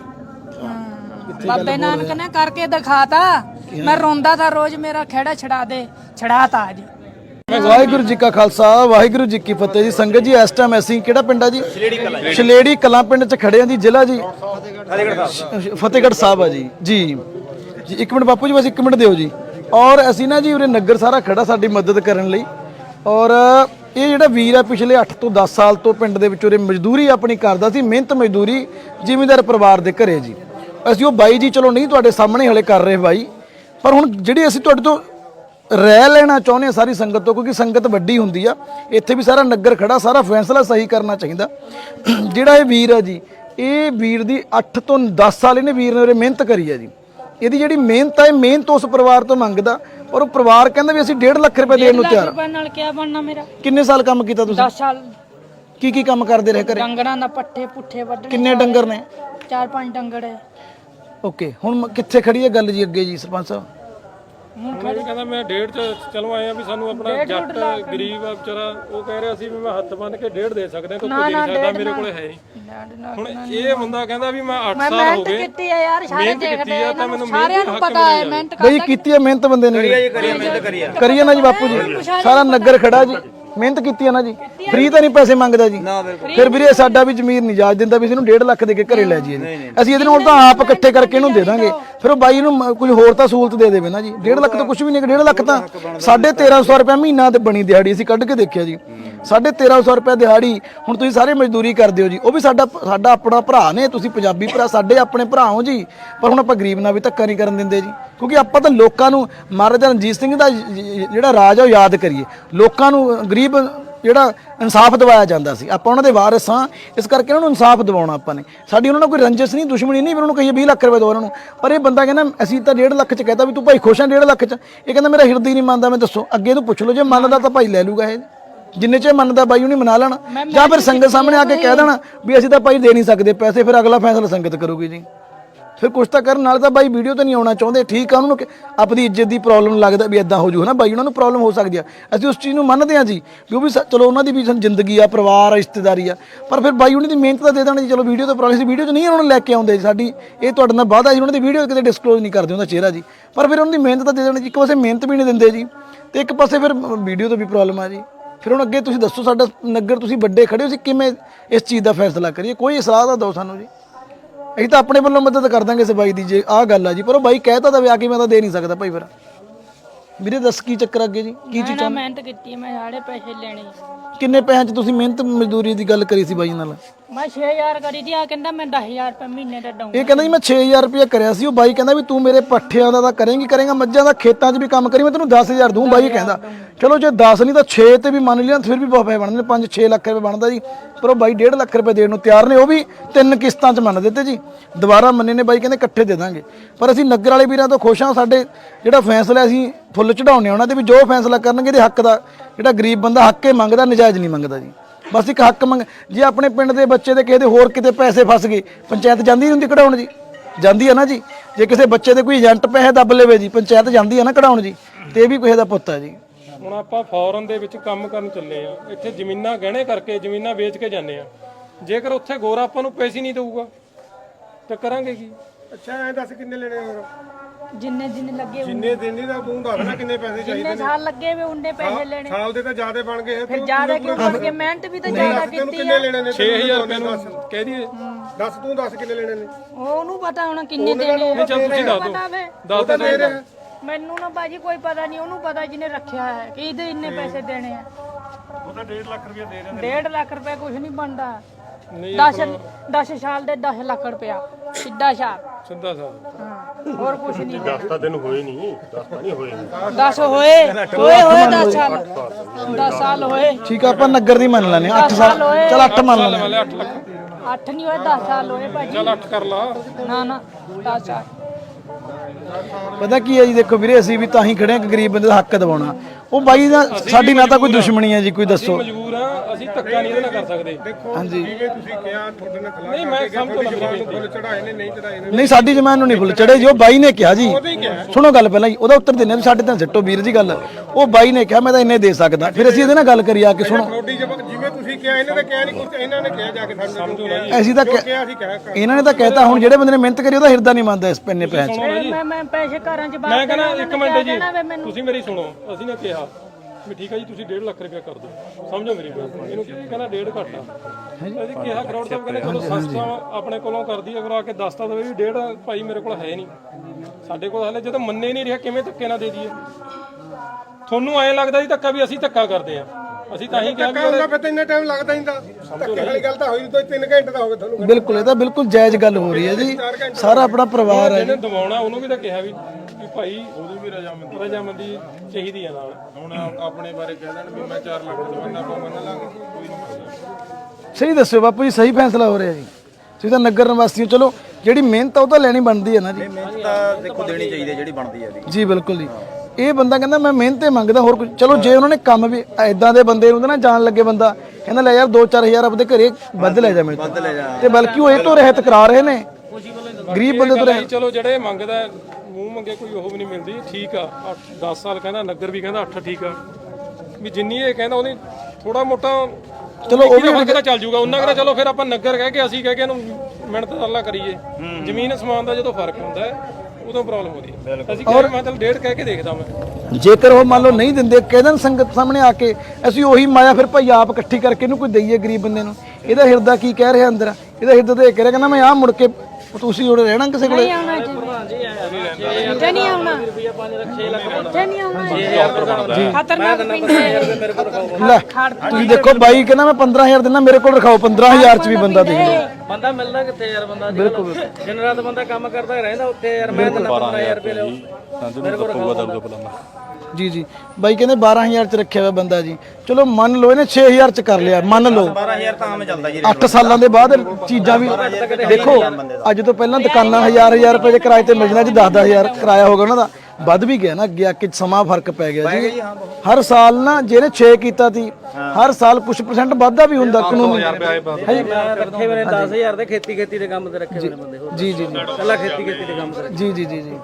S2: ਬਾਬੇ ਨਾਨਕ ਨੇ ਕਰਕੇ ਦਿਖਾਤਾ। ਮੈਂ ਰੋਂਦਾ ਥਾ ਰੋਜ਼, ਮੇਰਾ ਖੇੜਾ ਛੜਾ ਦੇ, ਛੜਾਤਾ ਅੱਜ।
S4: ਵਾਹਿਗੁਰੂ ਜੀ ਕਾ ਖਾਲਸਾ, ਵਾਹਿਗੁਰੂ ਜੀ ਕੀ ਫਤਿਹ ਜੀ। ਸੰਗਤ ਜੀ ਇਸ ਟਾਈਮ ਅਸੀਂ ਕਿਹੜਾ ਪਿੰਡ ਆ ਜੀ? ਛਲੇੜੀ ਕਲਾਂ ਪਿੰਡ ਚ ਖੜੇ ਆ ਜੀ, ਜ਼ਿਲ੍ਹਾ ਜੀ ਫਤਿਹਗੜ੍ਹ ਸਾਹਿਬ ਆ ਜੀ। ਜੀ ਜੀ ਇੱਕ ਮਿੰਟ ਬਾਪੂ ਜੀ, ਬਸ ਇੱਕ ਮਿੰਟ ਦਿਓ ਜੀ। ਔਰ ਅਸੀਂ ਨਾ ਜੀ ਉਰੇ ਨਗਰ ਸਾਰਾ ਖੜਾ ਸਾਡੀ ਮਦਦ ਕਰਨ ਲਈ। ਔਰ ਇਹ ਜਿਹੜਾ ਵੀਰ ਆ ਪਿਛਲੇ ਅੱਠ ਤੋਂ ਦਸ ਸਾਲ ਤੋਂ ਪਿੰਡ ਦੇ ਵਿੱਚ ਉਰੇ ਮਜ਼ਦੂਰੀ ਆਪਣੀ ਕਰਦਾ ਸੀ, ਮਿਹਨਤ ਮਜ਼ਦੂਰੀ ਜ਼ਿਮੀਂਦਾਰ ਪਰਿਵਾਰ ਦੇ ਘਰੇ ਜੀ। ਅਸੀਂ ਉਹ ਬਾਈ ਜੀ ਚਲੋ ਨਹੀਂ ਤੁਹਾਡੇ ਸਾਹਮਣੇ ਹਲੇ ਕਰ ਰਹੇ ਬਾਈ, ਪਰ ਹੁਣ ਜਿਹੜੀ ਅਸੀਂ ਤੁਹਾਡੇ ਤੋਂ ਰਹਿ ਲੈਣਾ ਚਾਹੁੰਦੇ ਹਾਂ ਸਾਰੀ ਸੰਗਤ ਤੋਂ, ਕਿਉਂਕਿ ਸੰਗਤ ਵੱਡੀ ਹੁੰਦੀ ਆ, ਇੱਥੇ ਵੀ ਸਾਰਾ ਨਗਰ ਖੜਾ, ਸਾਰਾ ਫੈਸਲਾ ਸਹੀ ਕਰਨਾ ਚਾਹੀਦਾ। ਜਿਹੜਾ ਇਹ ਵੀਰ ਆ ਜੀ, ਇਹ ਵੀਰ ਦੀ ਅੱਠ ਤੋਂ ਦਸ ਸਾਲ ਇਹਨੇ ਵੀਰ ਨੇ ਉਰੇ ਮਿਹਨਤ ਕਰੀ ਆ ਜੀ। ਇਹਦੀ ਜਿਹੜੀ ਮਿਹਨਤ ਆ, ਇਹ ਮਿਹਨਤ ਉਸ ਪਰਿਵਾਰ ਤੋਂ ਮੰਗਦਾ, ਔਰ ਉਹ ਪਰਿਵਾਰ ਕਹਿੰਦਾ ਵੀ ਅਸੀਂ ਡੇਢ ਲੱਖ ਰੁਪਏ ਦੇਣ ਨੂੰ ਤਿਆਰ।
S2: ਰੁਪਏ ਨਾਲ ਕੀ ਬਣਨਾ ਮੇਰਾ?
S4: ਕਿੰਨੇ ਸਾਲ ਕੰਮ ਕੀਤਾ ਤੁਸੀਂ?
S2: ਦਸ ਸਾਲ।
S4: ਕੀ ਕੀ ਕੰਮ ਕਰਦੇ ਰਹੇ ਘਰੇ?
S2: ਡੰਗਰਾਂ ਦਾ ਪੱਠੇ ਪੁੱਠੇ ਵੱਢਣੇ।
S4: ਕਿੰਨੇ ਡੰਗਰ ਨੇ?
S2: ਚਾਰ ਪੰਜ ਡੰਗਰ ਹੈ।
S4: ਓਕੇ, ਹੁਣ ਕਿੱਥੇ ਖੜੀ ਹੈ ਗੱਲ ਜੀ ਅੱਗੇ ਜੀ ਸਰਪੰਚ ਸਾਹਿਬ?
S2: ਹੁਣ
S5: ਖੜੀ ਕਹਿੰਦਾ ਮੈਂ ਡੇਢ ਚ ਚਲੋ ਆਏ ਆ ਵੀ ਸਾਨੂੰ ਆਪਣਾ ਜੱਟ ਗਰੀਬ ਆ ਵਿਚਾਰਾ, ਉਹ ਕਹਿ ਰਿਹਾ ਸੀ ਵੀ ਮੈਂ ਹੱਥ ਬੰਨ ਕੇ ਡੇਢ ਦੇ ਸਕਦਾ, ਕੋਈ ਦੇ ਨਹੀਂ ਸਕਦਾ, ਮੇਰੇ ਕੋਲੇ ਹੈ ਨਹੀਂ। ਹੁਣ ਇਹ ਬੰਦਾ ਕਹਿੰਦਾ ਵੀ ਮੈਂ ਅੱਠ ਸਾਲ ਹੋ ਗਏ
S2: ਕੀਤੀ ਹੈ ਯਾਰ, ਸਾਰੇ ਦੇਖਦੇ ਆ,
S5: ਤਾਂ ਮੈਨੂੰ
S2: ਸਾਰਿਆਂ ਨੂੰ ਪਤਾ ਹੈ ਮਿਹਨਤ
S4: ਬਈ ਕੀਤੀ ਹੈ ਮਿਹਨਤ ਬੰਦੇ ਨੇ, ਕਰੀਏ ਨਾ ਜੀ ਬਾਪੂ ਜੀ, ਸਾਰਾ ਨਗਰ ਖੜਾ ਜੀ, ਮਿਹਨਤ ਕੀਤੀ ਹੈ ਨਾ ਜੀ, ਫ੍ਰੀ ਤਾਂ ਨਹੀਂ ਪੈਸੇ ਮੰਗਦਾ ਜੀ। ਫਿਰ ਵੀਰੇ ਸਾਡਾ ਵੀ ਜ਼ਮੀਰ ਨਹੀਂ ਇਜਾਜ਼ਤ ਦਿੰਦਾ ਵੀ ਇਹਨੂੰ ਡੇਢ ਲੱਖ ਦੇ ਕੇ ਘਰੇ ਲੈ ਜਾਈਏ। ਅਸੀਂ ਇਹਦੇ ਨਾਲ ਤਾਂ ਆਪ ਇਕੱਠੇ ਕਰਕੇ ਇਹਨੂੰ ਦੇ ਦਾਂਗੇ, ਫਿਰ ਉਹ ਬਾਈ ਨੂੰ ਕੁਝ ਹੋਰ ਤਾਂ ਸਹੂਲਤ ਦੇ ਦੇਵੇ ਨਾ ਜੀ। ਡੇਢ ਲੱਖ ਤਾਂ ਕੁਝ ਵੀ ਨਹੀਂ, ਡੇਢ ਲੱਖ ਤਾਂ ਸਾਢੇ ਤੇਰਾਂ ਸੌ ਰੁਪਇਆ ਮਹੀਨਾ ਤੇ ਬਣੀ ਦਿਹਾੜੀ, ਅਸੀਂ ਕੱਢ ਕੇ ਦੇਖਿਆ ਜੀ, ਸਾਢੇ ਤੇਰਾਂ ਸੌ ਰੁਪਇਆ ਦਿਹਾੜੀ। ਹੁਣ ਤੁਸੀਂ ਸਾਰੇ ਮਜ਼ਦੂਰੀ ਕਰਦੇ ਹੋ ਜੀ, ਉਹ ਵੀ ਸਾਡਾ ਸਾਡਾ ਆਪਣਾ ਭਰਾ ਨੇ, ਤੁਸੀਂ ਪੰਜਾਬੀ ਭਰਾ ਸਾਡੇ ਆਪਣੇ ਭਰਾ ਹੋ ਜੀ, ਪਰ ਹੁਣ ਆਪਾਂ ਗਰੀਬ ਨਾਲ ਵੀ ਧੱਕਾ ਨਹੀਂ ਕਰਨ ਦਿੰਦੇ ਜੀ, ਕਿਉਂਕਿ ਆਪਾਂ ਤਾਂ ਲੋਕਾਂ ਨੂੰ ਮਹਾਰਾਜਾ ਰਣਜੀਤ ਸਿੰਘ ਦਾ ਜਿਹੜਾ ਰਾਜ ਆ ਉਹ ਯਾਦ ਕਰੀਏ, ਲੋਕਾਂ ਨੂੰ ਗਰੀਬ ਜਿਹੜਾ ਇਨਸਾਫ ਦਿਵਾਇਆ ਜਾਂਦਾ ਸੀ। ਆਪਾਂ ਉਹਨਾਂ ਦੇ ਵਾਰਿਸ ਹਾਂ, ਇਸ ਕਰਕੇ ਉਹਨਾਂ ਨੂੰ ਇਨਸਾਫ ਦਿਵਾਉਣਾ ਆਪਾਂ ਨੇ। ਸਾਡੀ ਉਹਨਾਂ ਨਾਲ ਕੋਈ ਰੰਜਿਸ਼ ਨਹੀਂ, ਦੁਸ਼ਮਣੀ ਨਹੀਂ ਵੀ ਉਹਨਾਂ ਨੂੰ ਕਹੀਏ ਵੀਹ ਲੱਖ ਰੁਪਏ ਦਿਓ ਉਹਨਾਂ ਨੂੰ। ਪਰ ਇਹ ਬੰਦਾ ਕਹਿੰਦਾ ਅਸੀਂ ਤਾਂ ਡੇਢ ਲੱਖ 'ਚ ਕਹਿਤਾ ਵੀ ਤੂੰ ਭਾਈ ਖੁਸ਼ ਆ ਡੇਢ ਲੱਖ 'ਚ, ਇਹ ਕਹਿੰਦਾ ਮੇਰਾ ਹਿਰਦੀ ਨਹੀਂ ਮੰਨਦਾ। ਮੈਂ ਦੱਸੋ ਅੱਗੇ ਤੋਂ ਪੁੱਛ ਲਓ, ਜੇ ਮੰਨਦਾ ਤਾਂ ਭਾਈ ਲੈ ਲੂਗਾ, ਇਹ ਜਿੰਨੇ 'ਚ ਮੰਨਦਾ ਬਾਈ ਉਹਨੇ ਮਨਾ ਲੈਣਾ, ਜਾਂ ਫਿਰ ਸੰਗਤ ਸਾਹਮਣੇ ਆ ਕੇ ਕਹਿ ਦੇਣਾ ਵੀ ਅਸੀਂ ਤਾਂ ਭਾਈ ਦੇ ਨਹੀਂ ਸਕਦੇ ਪੈਸੇ, ਫਿਰ ਅਗਲਾ ਫੈਸਲਾ ਸੰਗਤ ਕਰੂਗੀ ਜੀ। ਫਿਰ ਕੁਛ ਤਾਂ ਕਰਨ ਨਾਲ ਤਾਂ ਬਾਈ ਵੀਡੀਓ ਤੇ ਨਹੀਂ ਆਉਣਾ ਚਾਹੁੰਦੇ, ਠੀਕ ਆ, ਉਹਨਾਂ ਨੂੰ ਆਪਣੀ ਇੱਜ਼ਤ ਦੀ ਪ੍ਰੋਬਲਮ ਲੱਗਦਾ ਵੀ ਇਦਾਂ ਹੋ ਜੂ, ਹੈ ਨਾ ਬਾਈ, ਉਹਨਾਂ ਨੂੰ ਪ੍ਰੋਬਲਮ ਹੋ ਸਕਦੀ ਆ, ਅਸੀਂ ਉਸ ਚੀਜ਼ ਨੂੰ ਮੰਨਦੇ ਹਾਂ ਜੀ ਵੀ ਉਹ ਵੀ ਚਲੋ ਉਹਨਾਂ ਦੀ ਵੀ ਜ਼ਿੰਦਗੀ ਆ, ਪਰਿਵਾਰ ਆ, ਰਿਸ਼ਤੇਦਾਰੀ ਆ, ਪਰ ਫਿਰ ਬਾਈ ਉਹਨਾਂ ਦੀ ਮਿਹਨਤ ਤਾਂ ਦੇ ਦੇਣਾ ਜੀ। ਚਲੋ ਵੀਡੀਓ ਤੇ ਪ੍ਰੋਬਲਮ ਸੀ, ਵੀਡੀਓ 'ਚ ਨਹੀਂ ਉਹਨਾਂ ਨੂੰ ਲੈ ਕੇ ਆਉਂਦੇ ਜੀ, ਸਾਡੀ ਇਹ ਤੁਹਾਡੇ ਨਾਲ ਵਾਅਦਾ ਜੀ, ਉਹਨਾਂ ਦੀ ਵੀਡੀਓ ਕਿਤੇ ਡਿਸਕਲੋਜ਼ ਨਹੀਂ ਕਰਦੇ ਉਹਦਾ ਚਿਹਰਾ ਜੀ, ਪਰ ਫਿਰ ਉਹਨਾਂ ਦੀ ਮਿਹਨਤ ਤਾਂ ਦੇ ਦੇਣੀ ਜੀ। ਇੱਕ ਪਾਸੇ ਮਿਹਨਤ ਵੀ ਨਹੀਂ ਦਿੰਦੇ ਜੀ, ਤੇ ਇੱਕ ਪਾਸੇ ਫਿਰ ਵੀਡੀਓ ਤੋਂ ਵੀ ਪ੍ਰੋਬਲਮ ਆ ਜੀ। ਫਿਰ ਹੁਣ ਅੱਗੇ ਤੁਸੀਂ ਦੱਸੋ, ਸਾਡਾ ਨਗਰ ਤੁਸੀਂ ਵੱਡੇ ਖੜੇ ਹੋ, ਅਸੀਂ ਕਿਵੇਂ ਇਸ ਚੀਜ਼ ਦਾ ਫੈਸਲਾ ਕਰੀਏ? ਕੋਈ ਸਲਾਹ ਤਾਂ ਦਿਓ ਸਾਨੂੰ ਜੀ, ਅਸੀਂ ਤਾਂ ਆਪਣੇ ਵੱਲੋਂ ਮਦਦ ਕਰ ਦਾਂਗੇ ਇਸ ਬਾਈ ਦੀ, ਜੇ ਆਹ ਗੱਲ ਆ ਜੀ। ਪਰ ਉਹ ਬਾਈ ਕਹਿਤਾ ਤਾਂ ਵੀ ਆ ਕੇ ਮੈਂ ਤਾਂ ਦੇ ਨਹੀਂ ਸਕਦਾ ਭਾਈ। ਫਿਰ ਵੀਰੇ ਦੱਸ ਕੀ ਚੱਕਰ ਅੱਗੇ ਜੀ, ਕੀ ਚੀਜ਼?
S6: ਮੈਂ ਮਿਹਨਤ ਕੀਤੀ, ਮੈਂ ਸਾਰੇ ਪੈਸੇ ਲੈਣੇ।
S4: ਕਿੰਨੇ ਪੈਸਿਆਂ 'ਚ ਤੁਸੀਂ ਮਿਹਨਤ ਮਜ਼ਦੂਰੀ ਦੀ ਗੱਲ ਕਰੀ ਸੀ ਬਾਈ ਨਾਲ?
S6: ਮੈਂ ਛੇ ਹਜ਼ਾਰ ਕਰੀ ਦੀ, ਆ ਕਹਿੰਦਾ ਮੈਂ ਦਸ ਹਜ਼ਾਰ ਰੁਪਏ ਮਹੀਨੇ ਦਾ ਦਊਂਗਾ।
S4: ਇਹ ਕਹਿੰਦਾ ਜੀ ਮੈਂ ਛੇ ਹਜ਼ਾਰ ਰੁਪਇਆ ਕਰਿਆ ਸੀ। ਉਹ ਬਾਈ ਕਹਿੰਦਾ ਵੀ ਤੂੰ ਮੇਰੇ ਪੱਠਿਆਂ ਦਾ ਤਾਂ ਕਰੇਂਗੀ ਕਰੇਂਗਾ, ਮੱਝਾਂ ਦਾ ਖੇਤਾਂ 'ਚ ਵੀ ਕੰਮ ਕਰੀ, ਮੈਂ ਤੈਨੂੰ ਦਸ ਹਜ਼ਾਰ ਦੂੰ। ਬਾਈ ਕਹਿੰਦਾ ਚਲੋ ਜੇ ਦਸ ਨਹੀਂ ਤਾਂ ਛੇ ਤੇ ਵੀ ਮੰਨ ਲਿਆ, ਫਿਰ ਵੀ ਬਹੁਤ ਪੈਸੇ ਬਣਦੇ ਨੇ, ਪੰਜ ਛੇ ਲੱਖ ਰੁਪਏ ਬਣਦਾ ਜੀ। ਪਰ ਉਹ ਬਾਈ ਡੇਢ ਲੱਖ ਰੁਪਏ ਦੇਣ ਨੂੰ ਤਿਆਰ ਨੇ, ਉਹ ਵੀ ਤਿੰਨ ਕਿਸ਼ਤਾਂ 'ਚ ਮੰਨ ਦਿੱਤੇ ਜੀ। ਦੁਬਾਰਾ ਮੰਨੇ ਨੇ ਬਾਈ, ਕਹਿੰਦੇ ਇਕੱਠੇ ਦੇ ਦਾਂਗੇ। ਪਰ ਅਸੀਂ ਨਗਰ ਵਾਲੇ ਵੀਰਾਂ ਤੋਂ ਖੁਸ਼ ਹਾਂ, ਸਾਡੇ ਜਿਹੜਾ ਫੈਸਲਾ ਅਸੀਂ ਫੁੱਲ ਚੜਾਉਂਦੇ ਉਹਨਾਂ ਤੇ ਵੀ ਜੋ ਫੈਸਲਾ ਕਰਨਗੇ ਇਹਦੇ ਹੱਕ ਦਾ, ਜਿਹੜਾ ਗਰੀਬ ਬੰਦਾ ਹੱਕ ਹੀ ਮੰਗਦਾ, ਨਜਾਇਜ਼ ਨਹੀਂ ਮੰਗਦਾ ਜੀ। ਬਸ ਇੱਕ ਹੱਕ ਮੰਗ, ਜੇ ਆਪਣੇ ਪਿੰਡ ਦੇ ਬੱਚੇ ਦੇ ਕਿਸੇ ਦੇ ਹੋਰ ਕਿਤੇ ਪੈਸੇ ਫਸ ਗਏ, ਪੰਚਾਇਤ ਜਾਂਦੀ ਹੁੰਦੀ ਕਢਾਉਣ ਜੀ, ਜਾਂਦੀ ਹੈ ਨਾ ਜੀ। ਜੇ ਕਿਸੇ ਬੱਚੇ ਦੇ ਕੋਈ ਏਜੰਟ ਪੈਸੇ ਦੱਬ ਲਵੇ ਜੀ, ਪੰਚਾਇਤ ਜਾਂਦੀ ਹੈ ਨਾ ਕਢਾਉਣ ਜੀ, ਤੇ ਇਹ ਵੀ ਕਿਸੇ ਦਾ ਪੁੱਤ ਹੈ ਜੀ।
S5: ਹੁਣ ਆਪਾਂ ਫੌਰਨ ਦੇ ਵਿੱਚ ਕੰਮ ਕਰਨ ਚੱਲੇ ਆ, ਇੱਥੇ ਜ਼ਮੀਨਾਂ ਗਹਿਣੇ ਕਰਕੇ ਜ਼ਮੀਨਾਂ ਵੇਚ ਕੇ ਜਾਂਦੇ ਆ। ਜੇਕਰ ਉੱਥੇ ਗੋਰਾ ਆਪਾਂ ਨੂੰ ਪੈਸੇ ਨਹੀਂ ਦੇਊਗਾ ਤਾਂ ਕਰਾਂਗੇ ਕੀ?
S7: ਅੱਛਾ ਐਂ ਦੱਸ ਕਿੰਨੇ ਲੈਣੇ ਹੋਰ?
S6: ਜਿੰਨੇ ਜਿੰਨੇ ਲੱਗੇ
S7: ਜਿੰਨੇ ਦਿਨ ਨਹੀਂ ਦਾ ਤੂੰ ਦੱਸ ਨਾ ਕਿੰਨੇ ਪੈਸੇ ਚਾਹੀਦੇ
S6: ਜਿੰਨੇ ਸਾਲ ਲੱਗੇ ਵੇ ਉਹਨੇ ਪੈਸੇ ਲੈਣੇ।
S7: ਸਾਲ ਦੇ ਤਾਂ ਜ਼ਿਆਦੇ ਬਣ ਗਏ
S6: ਫਿਰ ਜ਼ਿਆਦਾ ਕਿਉਂ ਬਣ ਕੇ? ਮਿਹਨਤ ਵੀ ਤਾਂ ਜ਼ਿਆਦਾ
S7: ਤੈਨੂੰ
S6: ਕੀਤੀ
S7: ਕਿੰਨੇ
S6: ਆ।
S7: ਲੈਣੇ ਨੇ?
S5: ਛੇ ਹਜ਼ਾਰ ਰੁਪਏ ਨੂੰ ਕਹਿ ਦਈਏ,
S7: ਦੱਸ ਤੂੰ ਦੱਸ ਕਿੰਨੇ ਲੈਣੇ ਨੇ?
S6: ਉਹਨੂੰ ਪਤਾ ਹੋਣਾ ਕਿੰਨੇ ਦੇਣੇ ਆ।
S5: ਨਹੀਂ ਚੱਲ ਤੁਸੀਂ ਦੱਸ ਦਿਓ,
S6: ਪਤਾ ਵੇ
S5: ਦੱਸ ਦਿਓ
S7: ਦੇ ਰਿਹਾ
S6: ਮੈਨੂੰ ਨਾ ਬਾਜੀ ਕੋਈ ਪਤਾ ਨਹੀਂ, ਉਹਨੂੰ ਪਤਾ ਜਿਹਨੇ ਰੱਖਿਆ ਹੈ ਕਿ ਇਹਦੇ ਇੰਨੇ ਪੈਸੇ ਦੇਣੇ ਆ।
S7: ਉਹ ਤਾਂ ਡੇਢ ਲੱਖ ਰੁਪਏ ਦੇ ਰਹੇ
S6: ਡੇਢ ਲੱਖ ਰੁਪਏ ਕੁਝ ਨਹੀਂ ਬਣਦਾ।
S5: ਨਹੀਂ
S6: ਦਸ ਦਸ ਸਾਲ ਦੇ ਦਸ ਲੱਖ ਰੁਪਇਆ ਸਿੱਧਾ ਸਾਲ।
S5: ਸਿੱਧਾ ਸਾਹਿਬ
S6: ਹਾਂ, ਹੋਰ ਕੁਝ ਨਹੀਂ।
S7: ਦਸ ਦਿਨ ਹੋਏ ਨਹੀਂ, ਦਸ ਤਾਂ ਨਹੀਂ ਹੋਏ।
S6: ਦਸ ਹੋਏ ਹੋਏ ਹੋਏ ਦਸ ਸਾਲ, ਦਸ ਸਾਲ ਹੋਏ।
S4: ਠੀਕ ਆ, ਆਪਾਂ ਨਗਰ ਦੀ ਮੰਨ ਲੈਂਦੇ ਹਾਂ, ਅੱਠ ਸਾਲ, ਚਲ ਅੱਠ ਮੰਨ ਲੈਂਦੇ
S5: ਵਾਲੇ ਅੱਠ ਲੱਖ,
S6: ਅੱਠ ਨਹੀਂ ਹੋਏ, ਦਸ ਸਾਲ ਹੋਏ ਭਾਜੀ।
S5: ਚੱਲ ਅੱਠ ਕਰ ਲਾ।
S6: ਨਾ ਨਾ ਦਸ ਸਾਲ।
S4: ਪਤਾ ਕੀ ਹੈ ਜੀ, ਦੇਖੋ ਵੀਰੇ ਅਸੀਂ ਵੀ ਤਾਂ ਹੀ ਖੜੇ ਹਾਂ ਕਿ ਗਰੀਬ ਬੰਦੇ ਦਾ ਹੱਕ ਦਿਵਾਉਣਾ। ਉਹ ਬਾਈ ਦਾ ਸਾਡੀ ਨਾ ਤਾਂ ਕੋਈ ਦੁਸ਼ਮਣੀ ਹੈ ਜੀ, ਕੋਈ ਦੱਸੋ।
S5: ਮਜਬੂਰ ਆ, ਅਸੀਂ ਧੱਕਾ ਨਹੀਂ ਇਹਦੇ ਨਾਲ ਕਰ ਸਕਦੇ।
S4: ਹਾਂਜੀ,
S7: ਜਿਵੇਂ ਤੁਸੀਂ ਕਿਹਾ ਤੁਹਾਡੇ ਨਾਲ ਖਿਲਾਫ
S5: ਨਹੀਂ ਮੈਂ ਸਮਝ ਤੋਂ ਲੱਗ
S7: ਫੁੱਲ ਚੜਾਏ ਨੇ, ਨਹੀਂ ਚੜਾਏ ਨੇ।
S4: ਨਹੀਂ ਸਾਡੀ ਜਮਾਨ ਨੂੰ ਨਹੀਂ ਫੁੱਲ ਚੜੇ ਜੀ, ਉਹ ਬਾਈ ਨੇ ਕਿਹਾ ਜੀ। ਸੁਣੋ ਗੱਲ ਪਹਿਲਾਂ ਜੀ, ਉਹਦਾ ਉੱਤਰ ਦਿੰਦੇ ਵੀ ਸਾਡੇ ਤਾਂ ਸਿੱਟੋ ਵੀਰ ਜੀ ਗੱਲ। ਉਹ ਬਾਈ ਨੇ ਕਿਹਾ ਮੈਂ ਤਾਂ ਇੰਨੇ ਦੇ ਸਕਦਾ, ਫਿਰ ਅਸੀਂ ਇਹਦੇ ਨਾਲ ਗੱਲ ਕਰੀ ਆ ਕੇ। ਸੁਣੋ
S7: ਤੁਹਾਡੀ ਜਿਵੇਂ ਤੁਸੀਂ ਕਿਹਾ, ਇਹਨੇ ਤਾਂ ਕਿਹਾ ਨਹੀਂ ਕੁਝ, ਇਹਨਾਂ ਨੇ ਕਿਹਾ ਜਾ ਕੇ ਸਾਨੂੰ ਸਮਝੋ ਨਾ ਜੀ।
S4: ਅਸੀਂ ਤਾਂ
S7: ਕਿਹਾ
S4: ਕਹਿ-
S7: ਅਸੀਂ ਕਿਹਾ
S4: ਇਹਨਾਂ ਨੇ ਤਾਂ ਕਹਿਤਾ, ਹੁਣ ਜਿਹੜੇ ਬੰਦੇ ਨੇ ਮਿਹਨਤ ਕਰੀ ਉਹਦਾ ਹਿਰਦਾ ਨਹੀਂ ਮੰਨਦਾ ਇਸ ਪੈਨੇ ਪੈਸੇ 'ਚ।
S6: ਮੈਂ ਮੈਂ ਪੈਸੇ ਘਰਾਂ ਚ ਬਾਹਰ
S5: ਮੈਂ ਕਹਿੰਦਾ ਇੱਕ ਮਿੰਟ ਜੀ, ਤੁਸੀਂ ਮੇਰੀ ਸੁਣੋ। ਅਸੀਂ ਨੇ ਕਿਹਾ ਵੀ ਠੀਕ ਆ ਜੀ, ਤੁਸੀਂ ਡੇਢ ਲੱਖ ਰੁਪਏ ਕਰ ਦਿਓ, ਸਮਝੋ ਮੇਰੀ ਗੱਲ। ਇਹਨੂੰ ਕੀ ਕਹਿੰਦਾ ਡੇਢ ਘੱਟ ਆ। ਅਸੀਂ ਕਿਹਾ ਕਰੋੜ ਸਾਹਿਬ ਕਹਿੰਦੇ ਚਲੋ ਸੰਸਥਾ ਆਪਣੇ ਕੋਲੋਂ ਕਰਦੀ ਹੈ, ਫਿਰ ਆ ਕੇ ਦੱਸਤਾ ਦਵੇ ਵੀ ਡੇਢ ਭਾਈ ਮੇਰੇ ਕੋਲ ਹੈ ਨਹੀਂ, ਸਾਡੇ ਕੋਲ ਹਲੇ ਜਦੋਂ ਮੰਨੇ ਨਹੀਂ ਰਿਹਾ, ਕਿਵੇਂ ਧੱਕੇ ਨਾਲ ਦੇ ਦਈਏ? ਤੁਹਾਨੂੰ ਐਂ ਲੱਗਦਾ ਜੀ ਧੱਕਾ ਵੀ ਅਸੀਂ ਧੱਕਾ ਕਰਦੇ ਆ? ਅਸੀਂ ਤਾਂ ਹੀ ਕਿਹਾ ਵੀ
S7: ਹੁੰਦਾ, ਫਿਰ ਤਾਂ ਇੰਨਾ ਟਾਈਮ ਲੱਗਦਾ ਹੀ ਤਾਂ। ਧੱਕੇ ਵਾਲੀ ਗੱਲ ਤਾਂ ਹੋਈ ਨਹੀਂ, ਤਿੰਨ ਘੰਟੇ ਤਾਂ ਹੋ ਗਏ ਤੁਹਾਨੂੰ।
S4: ਬਿਲਕੁਲ, ਇਹ ਤਾਂ ਬਿਲਕੁਲ ਜਾਇਜ਼ ਗੱਲ ਹੋ ਰਹੀ ਹੈ ਜੀ। ਸਾਰਾ ਆਪਣਾ ਪਰਿਵਾਰ ਹੈ।
S5: ਜਿਹਨੇ ਦਵਾਉਣਾ ਉਹਨੂੰ ਵੀ ਤਾਂ ਕਿਹਾ ਵੀ ਵੀ ਭਾਈ ਉਹਦੀ ਵੀ ਰਜਾਮੰਦੀ ਰਜਾਮੰਦੀ ਚਾਹੀਦੀ ਆ ਨਾਲ। ਹੁਣ ਆਪਣੇ ਬਾਰੇ ਕਹਿ ਦੇਣ ਵੀ ਮੈਂ ਚਾਰ ਲੱਖ ਦਵਾਨਾ, ਆਪਾਂ ਮੰਨ ਲਾਂਗੇ, ਕੋਈ ਨਹੀਂ।
S4: ਸਹੀ ਦੱਸਿਓ ਬਾਪੂ ਜੀ, ਸਹੀ ਫੈਸਲਾ ਹੋ ਰਿਹਾ ਜੀ। ਤੁਸੀਂ ਤਾਂ ਨਗਰ ਨਿਵਾਸੀ ਹੋ, ਚਲੋ ਜਿਹੜੀ ਮਿਹਨਤ ਆ ਉਹ ਤਾਂ ਲੈਣੀ ਬਣਦੀ ਹੈ ਨਾ ਜੀ।
S3: ਮਿਹਨਤ ਤਾਂ ਦੇਖੋ ਦੇਣੀ ਚਾਹੀਦੀ ਹੈ ਜਿਹੜੀ ਬਣਦੀ ਹੈ ਜੀ।
S4: ਜੀ ਬਿਲਕੁਲ ਜੀ। ਇਹ ਬੰਦਾ ਕਹਿੰਦਾ ਮੈਂ ਮਿਹਨਤ ਹੀ ਮੰਗਦਾ, ਹੋਰ ਕੁਝ। ਚਲੋ ਜੇ ਉਹਨਾਂ ਨੇ ਕੰਮ ਵੀ ਐਦਾਂ ਦੇ ਬੰਦੇ ਨੂੰ ਨਾ ਜਾਣ ਲੱਗੇ, ਬੰਦਾ ਕਹਿੰਦਾ ਲੈ ਯਾਰ ਦੋ ਚਾਰ ਹਜ਼ਾਰ ਆਪਦੇ ਘਰੇ ਵੱਧ ਲੈ ਜਾ ਮੇਰੇ ਤੋਂ, ਤੇ ਬਲਕਿ ਉਹ ਇਹ ਤੋਂ ਰਹਿਤ ਕਰਾ ਰਹੇ ਨੇ ਗਰੀਬ ਬੰਦੇ ਤੋਂ ਰਹਿਤ।
S5: ਚਲੋ ਜਿਹੜੇ ਮੰਗਦਾ ਮੂੰਹ ਮੰਗੇ ਕੋਈ ਉਹ ਵੀ ਨਹੀਂ ਮਿਲਦੀ। ਠੀਕ ਆ, ਦਸ ਸਾਲ ਕਹਿੰਦਾ, ਨਗਰ ਵੀ ਕਹਿੰਦਾ ਅੱਠ, ਠੀਕ ਆ ਵੀ ਜਿੰਨੀ ਇਹ ਕਹਿੰਦਾ ਉਹਦੀ ਥੋੜਾ ਮੋਟਾ
S4: ਚਲੋ ਉਹ ਵੀ
S5: ਮੰਗਦਾ ਚੱਲ ਜੂਗਾ ਉਹਨਾਂ ਕਹਿੰਦਾ। ਚਲੋ ਫਿਰ ਆਪਾਂ ਨਗਰ ਕਹਿ ਕੇ ਅਸੀਂ ਕਹਿ ਕੇ ਇਹਨੂੰ ਮਿਹਨਤ ਅੱਲਾ ਕਰੀਏ। ਜ਼ਮੀਨ ਅਸਮਾਨ ਦਾ ਜਦੋਂ ਫਰਕ ਹੁੰਦਾ ਹੈ ਉਦੋਂ ਪ੍ਰੋਬਲਮ ਹੁੰਦੀ ਹੈ। ਅਸੀਂ ਕਹਿੰਦੇ ਮੈਂ ਚਲ ਡੇਢ ਕਹਿ ਕੇ ਦੇਖਦਾ ਮੈਂ।
S4: ਜੇਕਰ ਉਹ ਮੰਨ ਲਓ ਨਹੀਂ ਦਿੰਦੇ, ਕਹਿ ਦੇਣ ਸੰਗਤ ਸਾਹਮਣੇ ਆ ਕੇ ਅਸੀਂ ਉਹੀ ਮਾਇਆ ਫਿਰ ਭਾਈ ਆਪ ਇਕੱਠੀ ਕਰਕੇ ਇਹਨੂੰ ਕੋਈ ਦਈਏ ਗਰੀਬ ਬੰਦੇ ਨੂੰ। ਇਹਦਾ ਹਿਰਦਾ ਕੀ ਕਹਿ ਰਿਹਾ ਅੰਦਰ? ਇਹਦਾ ਹਿਰਦਾ ਤਾਂ ਇਹ ਕਹਿ ਰਿਹਾ, ਕਹਿੰਦਾ ਮੈਂ ਆਹ ਮੁੜ ਕੇ ਤੁਸੀਂ ਉਰੇ ਰਹਿਣਾ ਕਿਸੇ ਕੋਲੇ।
S6: ਨਹੀਂ ਆਉਣਾ ਜੀ, ਇੱਥੇ ਨਹੀਂ ਆਉਣਾ, ਇੱਥੇ ਨਹੀਂ ਆਉਣਾ ਜੀ। ਖਤਰਨਾਕ ਪਿੰਡ ਹੈ।
S4: ਲੈ ਤੁਸੀਂ ਦੇਖੋ ਬਾਈ ਕਹਿੰਦਾ ਮੈਂ ਪੰਦਰਾਂ ਹਜ਼ਾਰ ਦਿੰਦਾ, ਮੇਰੇ ਕੋਲ ਰਖਾਓ ਪੰਦਰਾਂ ਹਜ਼ਾਰ 'ਚ ਵੀ ਬੰਦਾ ਦੇ ਦਿਓ।
S6: ਬੰਦਾ ਮਿਲਦਾ ਕਿੱਥੇ ਯਾਰ ਬੰਦਾ ਬਿਲਕੁਲ ਦਿਨ ਰਾਤ ਬੰਦਾ ਕੰਮ ਕਰਦਾ ਰਹਿੰਦਾ ਉੱਥੇ ਯਾਰ ਮੈਂ ਤਾਂ ਬਾਰਾਂ ਹਜ਼ਾਰ ਰੁਪਏ ਲਿਓ ਮੇਰੇ ਕੋਲ ਰਖਾਉਂਦਾ
S4: ਜੀ ਜੀ ਬਾਈ ਕਹਿੰਦੇ ਬਾਰਾਂ ਹਜ਼ਾਰ ਚ ਰੱਖਿਆ ਹੋਇਆ ਬੰਦਾ ਜੀ। ਚਲੋ ਮੰਨ ਲਓ ਇਹਨੇ ਛੇ ਹਜ਼ਾਰ ਚ ਕਰ ਲਿਆ, ਮੰਨ ਲਓ
S3: ਬਾਰਾਂ ਹਜ਼ਾਰ ਤਾਂ ਆਮ ਚੱਲਦਾ ਜੀ।
S4: ਅੱਠ ਸਾਲਾਂ ਦੇ ਬਾਅਦ ਚੀਜ਼ਾਂ ਵੀ ਦੇਖੋ, ਅੱਜ ਤੋਂ ਪਹਿਲਾਂ ਦੁਕਾਨਾਂ ਹਜ਼ਾਰ ਹਜ਼ਾਰ ਰੁਪਏ ਦੇ ਕਿਰਾਏ ਤੇ ਮਿਲਣਾ ਜੀ, ਦਸ ਦਸ ਹਜ਼ਾਰ ਕਿਰਾਇਆ ਹੋਗਾ ਉਹਨਾਂ ਦਾ, ਵੱਧ ਵੀ ਗਿਆ ਨਾ ਅੱਗੇ ਆ ਕੇ, ਸਮਾਂ ਫਰਕ ਪੈ ਗਿਆ ਜੀ। ਹਰ ਸਾਲ ਨਾ ਜਿਹਨੇ ਛੇ ਕੀਤਾ ਸੀ ਹਰ ਸਾਲ ਕੁਝ ਪਰਸੈਂਟ ਵਾਧਾ ਵੀ ਹੁੰਦਾ ਕਾਨੂੰਨੀ।
S6: ਰੱਖੇ ਮੇਰੇ ਦਸ ਹਜ਼ਾਰ ਦੇ ਖੇਤੀ ਖੇਤੀ ਦੇ ਕੰਮ ਤੇ ਰੱਖੇ ਮੇਰੇ ਬੰਦੇ ਹੋਰ
S4: ਜੀ ਜੀ ਜੀ
S6: ਕੱਲਾ ਖੇਤੀ ਖੇਤੀ ਦੇ ਕੰਮ ਤੇ ਰੱਖੇ।
S4: ਜੀ ਜੀ ਜੀ ਜੀ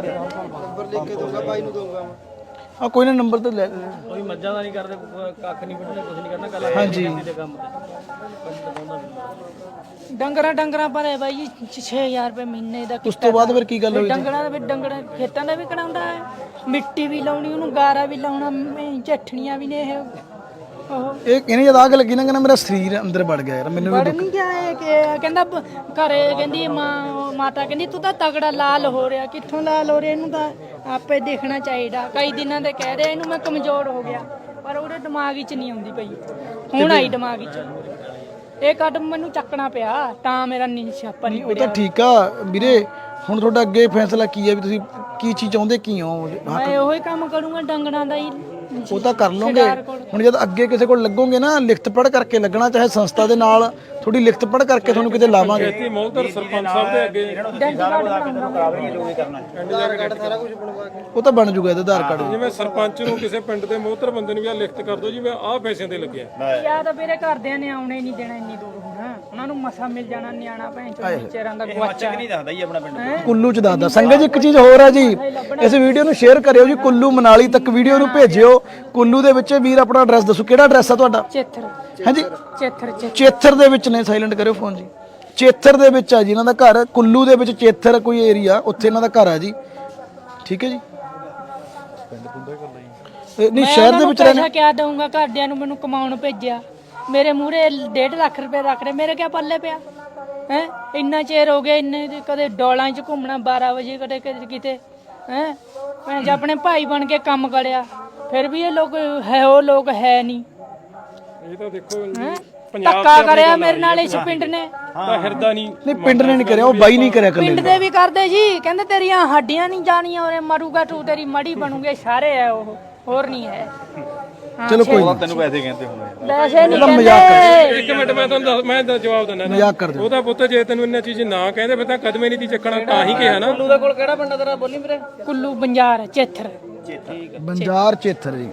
S4: ਆ ਕੋਈ ਨਾ ਨੰਬਰ ਤੇ ਲੈ ਲੈ।
S6: ਕੋਈ ਮੱਝਾਂ ਦਾ ਨਹੀਂ ਕਰਦੇ, ਕੱਖ ਨਹੀਂ ਵੱਢਣਾ, ਕੁਝ ਨਹੀਂ ਕਰਨਾ, ਕੱਲਾ
S4: ਹਾਂਜੀ
S6: ਖੇਤੀ ਦੇ ਕੰਮ ਤੇ।
S2: ਡੰਗਰਾਂ ਡੰਗਰਾਂ ਪਰ ਬਾਈ ਜੀ ਛੇ ਹਜ਼ਾਰ ਰੁਪਏ ਮਹੀਨੇ ਦਾ
S4: ਉਸ ਤੋਂ ਬਾਅਦ ਫਿਰ ਕੀ ਗੱਲ ਹੋਈ ਜੀ?
S2: ਡੰਗਰਾਂ ਦਾ ਵੀ ਡੰਗਰਾਂ ਖੇਤਾਂ ਦਾ ਵੀ ਕਢਾਉਂਦਾ ਹੈ, ਮਿੱਟੀ ਵੀ ਲਾਉਣੀ, ਉਹਨੂੰ ਗਾਰਾ ਵੀ ਲਾਉਣਾ, ਝੱਠਣੀਆਂ ਵੀ ਨੇ ਇਹ ਉਹ
S4: ਇਹ ਇਹਨੇ ਜਦ ਆਗ ਲੱਗੀ ਨਾ ਕਹਿੰਦਾ ਮੇਰਾ ਸਰੀਰ ਅੰਦਰ ਵੜ ਗਿਆ ਯਾਰ, ਮੈਨੂੰ ਵੀ
S2: ਵੜ ਨਹੀਂ ਗਿਆ ਇਹ ਕਿ ਕਹਿੰਦਾ ਬ- ਘਰੇ ਕਹਿੰਦੀ ਮਾਂ ਮਾਤਾ ਕਹਿੰਦੀ ਤੂੰ ਤਾਂ ਤਗੜਾ ਲਾਲ ਹੋ ਰਿਹਾ, ਕਿੱਥੋਂ ਲਾਲ ਹੋ ਰਿਹਾ, ਇਹਨੂੰ ਤਾਂ ਆਪੇ ਦੇਖਣਾ ਚਾਹੀਦਾ। ਕਈ ਦਿਨਾਂ ਦੇ ਕਹਿ ਰਿਹਾ ਇਹਨੂੰ ਮੈਂ ਕਮਜ਼ੋਰ ਹੋ ਗਿਆ, ਪਰ ਉਹਦੇ ਦਿਮਾਗ 'ਚ ਨਹੀਂ ਆਉਂਦੀ ਪਈ, ਹੁਣ ਆਈ ਦਿਮਾਗ 'ਚ। ਇਹ ਕਦਮ ਮੈਨੂੰ ਚੱਕਣਾ ਪਿਆ ਤਾਂ ਮੇਰਾ ਨੀ ਛਾਪਾ ਨਹੀਂ
S4: ਉਹ ਤਾਂ ਠੀਕ ਆ ਵੀਰੇ, ਹੁਣ ਤੁਹਾਡਾ ਅੱਗੇ ਫੈਸਲਾ ਕੀ ਹੈ ਵੀ ਤੁਸੀਂ ਕੀ ਚੀਜ਼ ਚਾਹੁੰਦੇ ਕੀ ਹੋ?
S2: ਮੈਂ ਉਹੀ ਕੰਮ ਕਰੂੰਗਾ ਡੰਗਰਾਂ ਦਾ ਹੀ।
S4: ਉਹ ਤਾਂ ਕਰ ਲਓਗੇ, ਹੁਣ ਜਦ ਅੱਗੇ ਕਿਸੇ ਕੋਲ ਲੱਗੋਗੇ ਨਾ ਲਿਖਤ ਪੜ੍ਹ ਕਰਕੇ ਲੱਗਣਾ, ਚਾਹੇ ਸੰਸਥਾ ਦੇ ਨਾਲ ਥੋੜੀ ਲਿਖਤ ਪੜ੍ਹ ਕਰਕੇ ਤੁਹਾਨੂੰ ਕਿਤੇ ਲਾਵਾਂਗੇ।
S5: ਖੇਤੀ ਮੌਲਧਰ ਸਰਪੰਚ ਸਾਹਿਬ ਦੇ ਅੱਗੇ
S4: ਉਹ ਤਾਂ ਬਣ ਜੂਗਾ ਇਹਦਾ ਆਧਾਰ ਕਾਰਡ।
S5: ਜਿਵੇਂ ਸਰਪੰਚ ਨੂੰ ਕਿਸੇ ਪਿੰਡ ਦੇ ਮੌਲਧਰ ਬੰਦੇ ਨੂੰ ਵੀ ਆ ਲਿਖਤ ਕਰ ਦੋ ਜੀ ਮੈਂ ਆਹ ਪੈਸਿਆਂ ਤੇ ਲੱਗਿਆ।
S2: ਯਾ ਤਾਂ ਮੇਰੇ ਘਰਦਿਆਂ ਨੇ ਆਉਣੇ ਨਹੀਂ ਦੇਣਾ ਇੰਨੀ ਦੂਰ ਹੋਣਾ, ਉਹਨਾਂ ਨੂੰ ਮਸਾ ਮਿਲ ਜਾਣਾ, ਨਿਆਣਾ ਭੈਣ ਚੋਂ ਵਿਚਾਰਾਂ ਦਾ ਗਵਾਚਾ
S3: ਨਹੀਂ ਦੱਸਦਾ ਜੀ ਆਪਣਾ ਪਿੰਡ।
S4: ਕੁੱਲੂ ਚ ਦੱਸਦਾ ਸੰਗਤ ਜੀ। ਇੱਕ ਚੀਜ਼ ਹੋਰ ਹੈ ਜੀ, ਇਸ ਵੀਡੀਓ ਨੂੰ ਸ਼ੇਅਰ ਕਰਿਓ ਜੀ, ਕੁੱਲੂ ਮਨਾਲੀ ਤੱਕ ਵੀਡੀਓ ਨੂੰ ਭੇਜਿਓ। ਕੁੱਲੂ ਦੇ ਵਿੱਚ ਵੀਰ ਆਪਣਾ ਐਡਰੈਸ ਦੱਸੋ, ਕਿਹੜਾ ਐਡਰੈਸ ਆ ਤੁਹਾਡਾ?
S2: ਚੇਥਰ
S4: ਹਾਂਜੀ
S2: ਚੇਥਰ ਚੇਥਰ
S4: ਚੇਥਰ ਦੇ ਵਿੱਚ ਨੇ, ਸਾਇਲੈਂਟ ਕਰਿਓ ਫੋਨ ਜੀ। ਚੇਥਰ ਦੇ ਵਿੱਚ ਆ ਜੀ ਇਹਨਾਂ ਦਾ ਘਰ, ਕੁੱਲੂ ਦੇ ਵਿੱਚ ਚੇਥਰ ਕੋਈ ਏਰੀਆ, ਉੱਥੇ ਇਹਨਾਂ ਦਾ ਘਰ ਆ ਜੀ। ਠੀਕ ਹੈ ਜੀ। ਇਹ ਨਹੀਂ ਸ਼ਹਿਰ ਦੇ ਵਿੱਚ ਰਹਿੰਦੇ।
S2: ਪੈਸਾ ਕਿਆ ਦਊਂਗਾ, ਘਰਦਿਆਂ ਨੂੰ ਮੈਨੂੰ ਕਮਾਉਣ ਭੇਜਿਆ, ਮੇਰੇ ਮੂਹਰੇ ਡੇਢ ਲੱਖ ਰੁਪਏ ਰੱਖ ਰਹੇ, ਮੇਰੇ ਕਿਆ ਪੱਲੇ ਪਿਆ ਹੈ? ਇੰਨਾ ਚਿਰ ਹੋ ਗਿਆ, ਇੰਨੇ ਕਦੇ ਡੋਲਾਂ 'ਚ ਘੁੰਮਣਾ ਬਾਰਾਂ ਵਜੇ, ਕਦੇ ਕਦੇ ਕਿਤੇ ਹੈ। ਮੈਂ ਜੇ ਆਪਣੇ ਭਾਈ ਬਣ ਕੇ ਕੰਮ ਕਰਿਆ, ਫਿਰ ਵੀ ਇਹ ਲੋਕ ਹੈ, ਉਹ ਲੋਕ ਹੈ ਨਹੀਂ।
S5: ਇਹ ਤਾਂ ਦੇਖੋ
S2: ਹੈਂ?
S5: ਪੰਜਾਬ
S2: ਧੱਕਾ ਕਰਿਆ ਮੇਰੇ ਨਾਲ ਇਸ ਪਿੰਡ ਨੇ,
S5: ਦਾ ਹਿਰਦਾ ਨਹੀਂ
S4: ਨਹੀਂ ਪਿੰਡ ਨੇ ਨਹੀਂ ਕਰਿਆ, ਉਹ ਬਾਈ ਨਹੀਂ ਕਰਿਆ
S2: ਪਿੰਡ
S4: ਕੱਲੇ।
S2: ਦੇ ਵੀ ਕਰਦੇ ਜੀ, ਕਹਿੰਦੇ ਤੇਰੀਆਂ ਹੱਡੀਆਂ ਨਹੀਂ ਜਾਣੀਆਂ, ਔਰੇ ਮਰੂਗਾ ਤੂੰ, ਤੇਰੀ ਮੜੀ ਬਣੂਗੇ, ਸਾਰੇ ਹੈ ਉਹ, ਹੋਰ ਨਹੀਂ ਹੈ।
S4: ਚਲੋ ਕੋਈ ਨਹੀਂ,
S3: ਤੈਨੂੰ ਪੈਸੇ ਕਹਿੰਦੇ ਹੁਣ
S2: ਵੈਸੇ ਨਹੀਂ
S4: ਮਜ਼ਾਕ
S2: ਕਹਿੰਦੇ।
S5: ਇੱਕ ਮਿੰਟ ਮੈਂ ਤੁਹਾਨੂੰ ਦੱਸ- ਮੈਂ ਤਾਂ ਜਵਾਬ ਦਿੰਦਾ ਨਾ।
S4: ਮਜ਼ਾਕ ਕਰਦੇ
S5: ਉਹਦਾ ਪੁੱਤ ਜੇ ਤੈਨੂੰ ਇੰਨਾ ਚੀਜ਼ ਨਾ ਕਹਿੰਦੇ ਫਿਰ ਤਾਂ ਕਦਮੇ ਨਹੀਂ ਤੀ ਚੱਕਣਾ, ਤਾਂ ਹੀ ਕਿਹਾ ਨਾ।
S6: ਕੁੱਲੂ ਦੇ ਕੋਲ ਕਿਹੜਾ ਪਿੰਡ ਆ ਤੇਰਾ, ਬੋਲੀ ਵੀਰੇ?
S2: ਕੁੱਲੂ ਬੰਜਾਰ ਚੇਥਰ
S4: ਬੰਜਾਰ ਚੇਥਰ ਜੀ।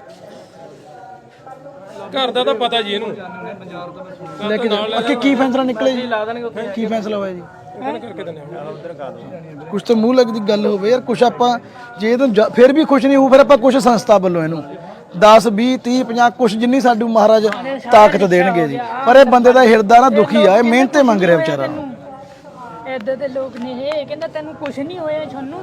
S5: ਘਰ ਦਾ ਤਾਂ ਪਤਾ ਜੀ ਇਹਨੂੰ।
S4: ਲੈ ਕੇ ਜਾਓ। ਅੱਗੇ ਕੀ ਫੈਸਲਾ ਨਿਕਲੇ ਜੀ? ਕੀ ਫੈਸਲਾ ਹੋਇਆ ਜੀ?
S5: ਉਹਨੇ ਕਰਕੇ ਦਿੰਦੇ ਆ।
S4: ਕੁਛ ਤਾਂ ਮੂੰਹ ਲੱਗਦੀ ਗੱਲ ਹੋਵੇ ਯਾਰ, ਕੁਛ ਆਪਾਂ ਜੇ ਇਹਨੂੰ ਜਾ- ਫਿਰ ਵੀ ਖੁਸ਼ ਨਹੀਂ ਹੋਊ, ਫਿਰ ਆਪਾਂ ਕੁਛ ਸੰਸਥਾ ਵੱਲੋਂ ਇਹਨੂੰ ਦਸ ਵੀਹ ਤੀਹ ਪੰਜਾਹ ਕੁਛ ਜਿੰਨੀ ਸਾਡੂ ਮਹਾਰਾਜ ਤਾਕਤ ਦੇਣਗੇ ਜੀ। ਪਰ ਇਹ ਬੰਦੇ ਦਾ ਹਿਰਦਾ ਨਾ ਦੁਖੀ ਆ, ਇਹ ਮਿਹਨਤੇ ਮੰਗ ਰਿਹਾ ਵਿਚਾਰਾ।
S2: ਏਦਾਂ ਦੇ ਲੋਕ ਨੇ, ਇਹ ਕਹਿੰਦਾ ਤੈਨੂੰ ਕੁਝ ਨਹੀਂ ਹੋਇਆ ਤੁਹਾਨੂੰ।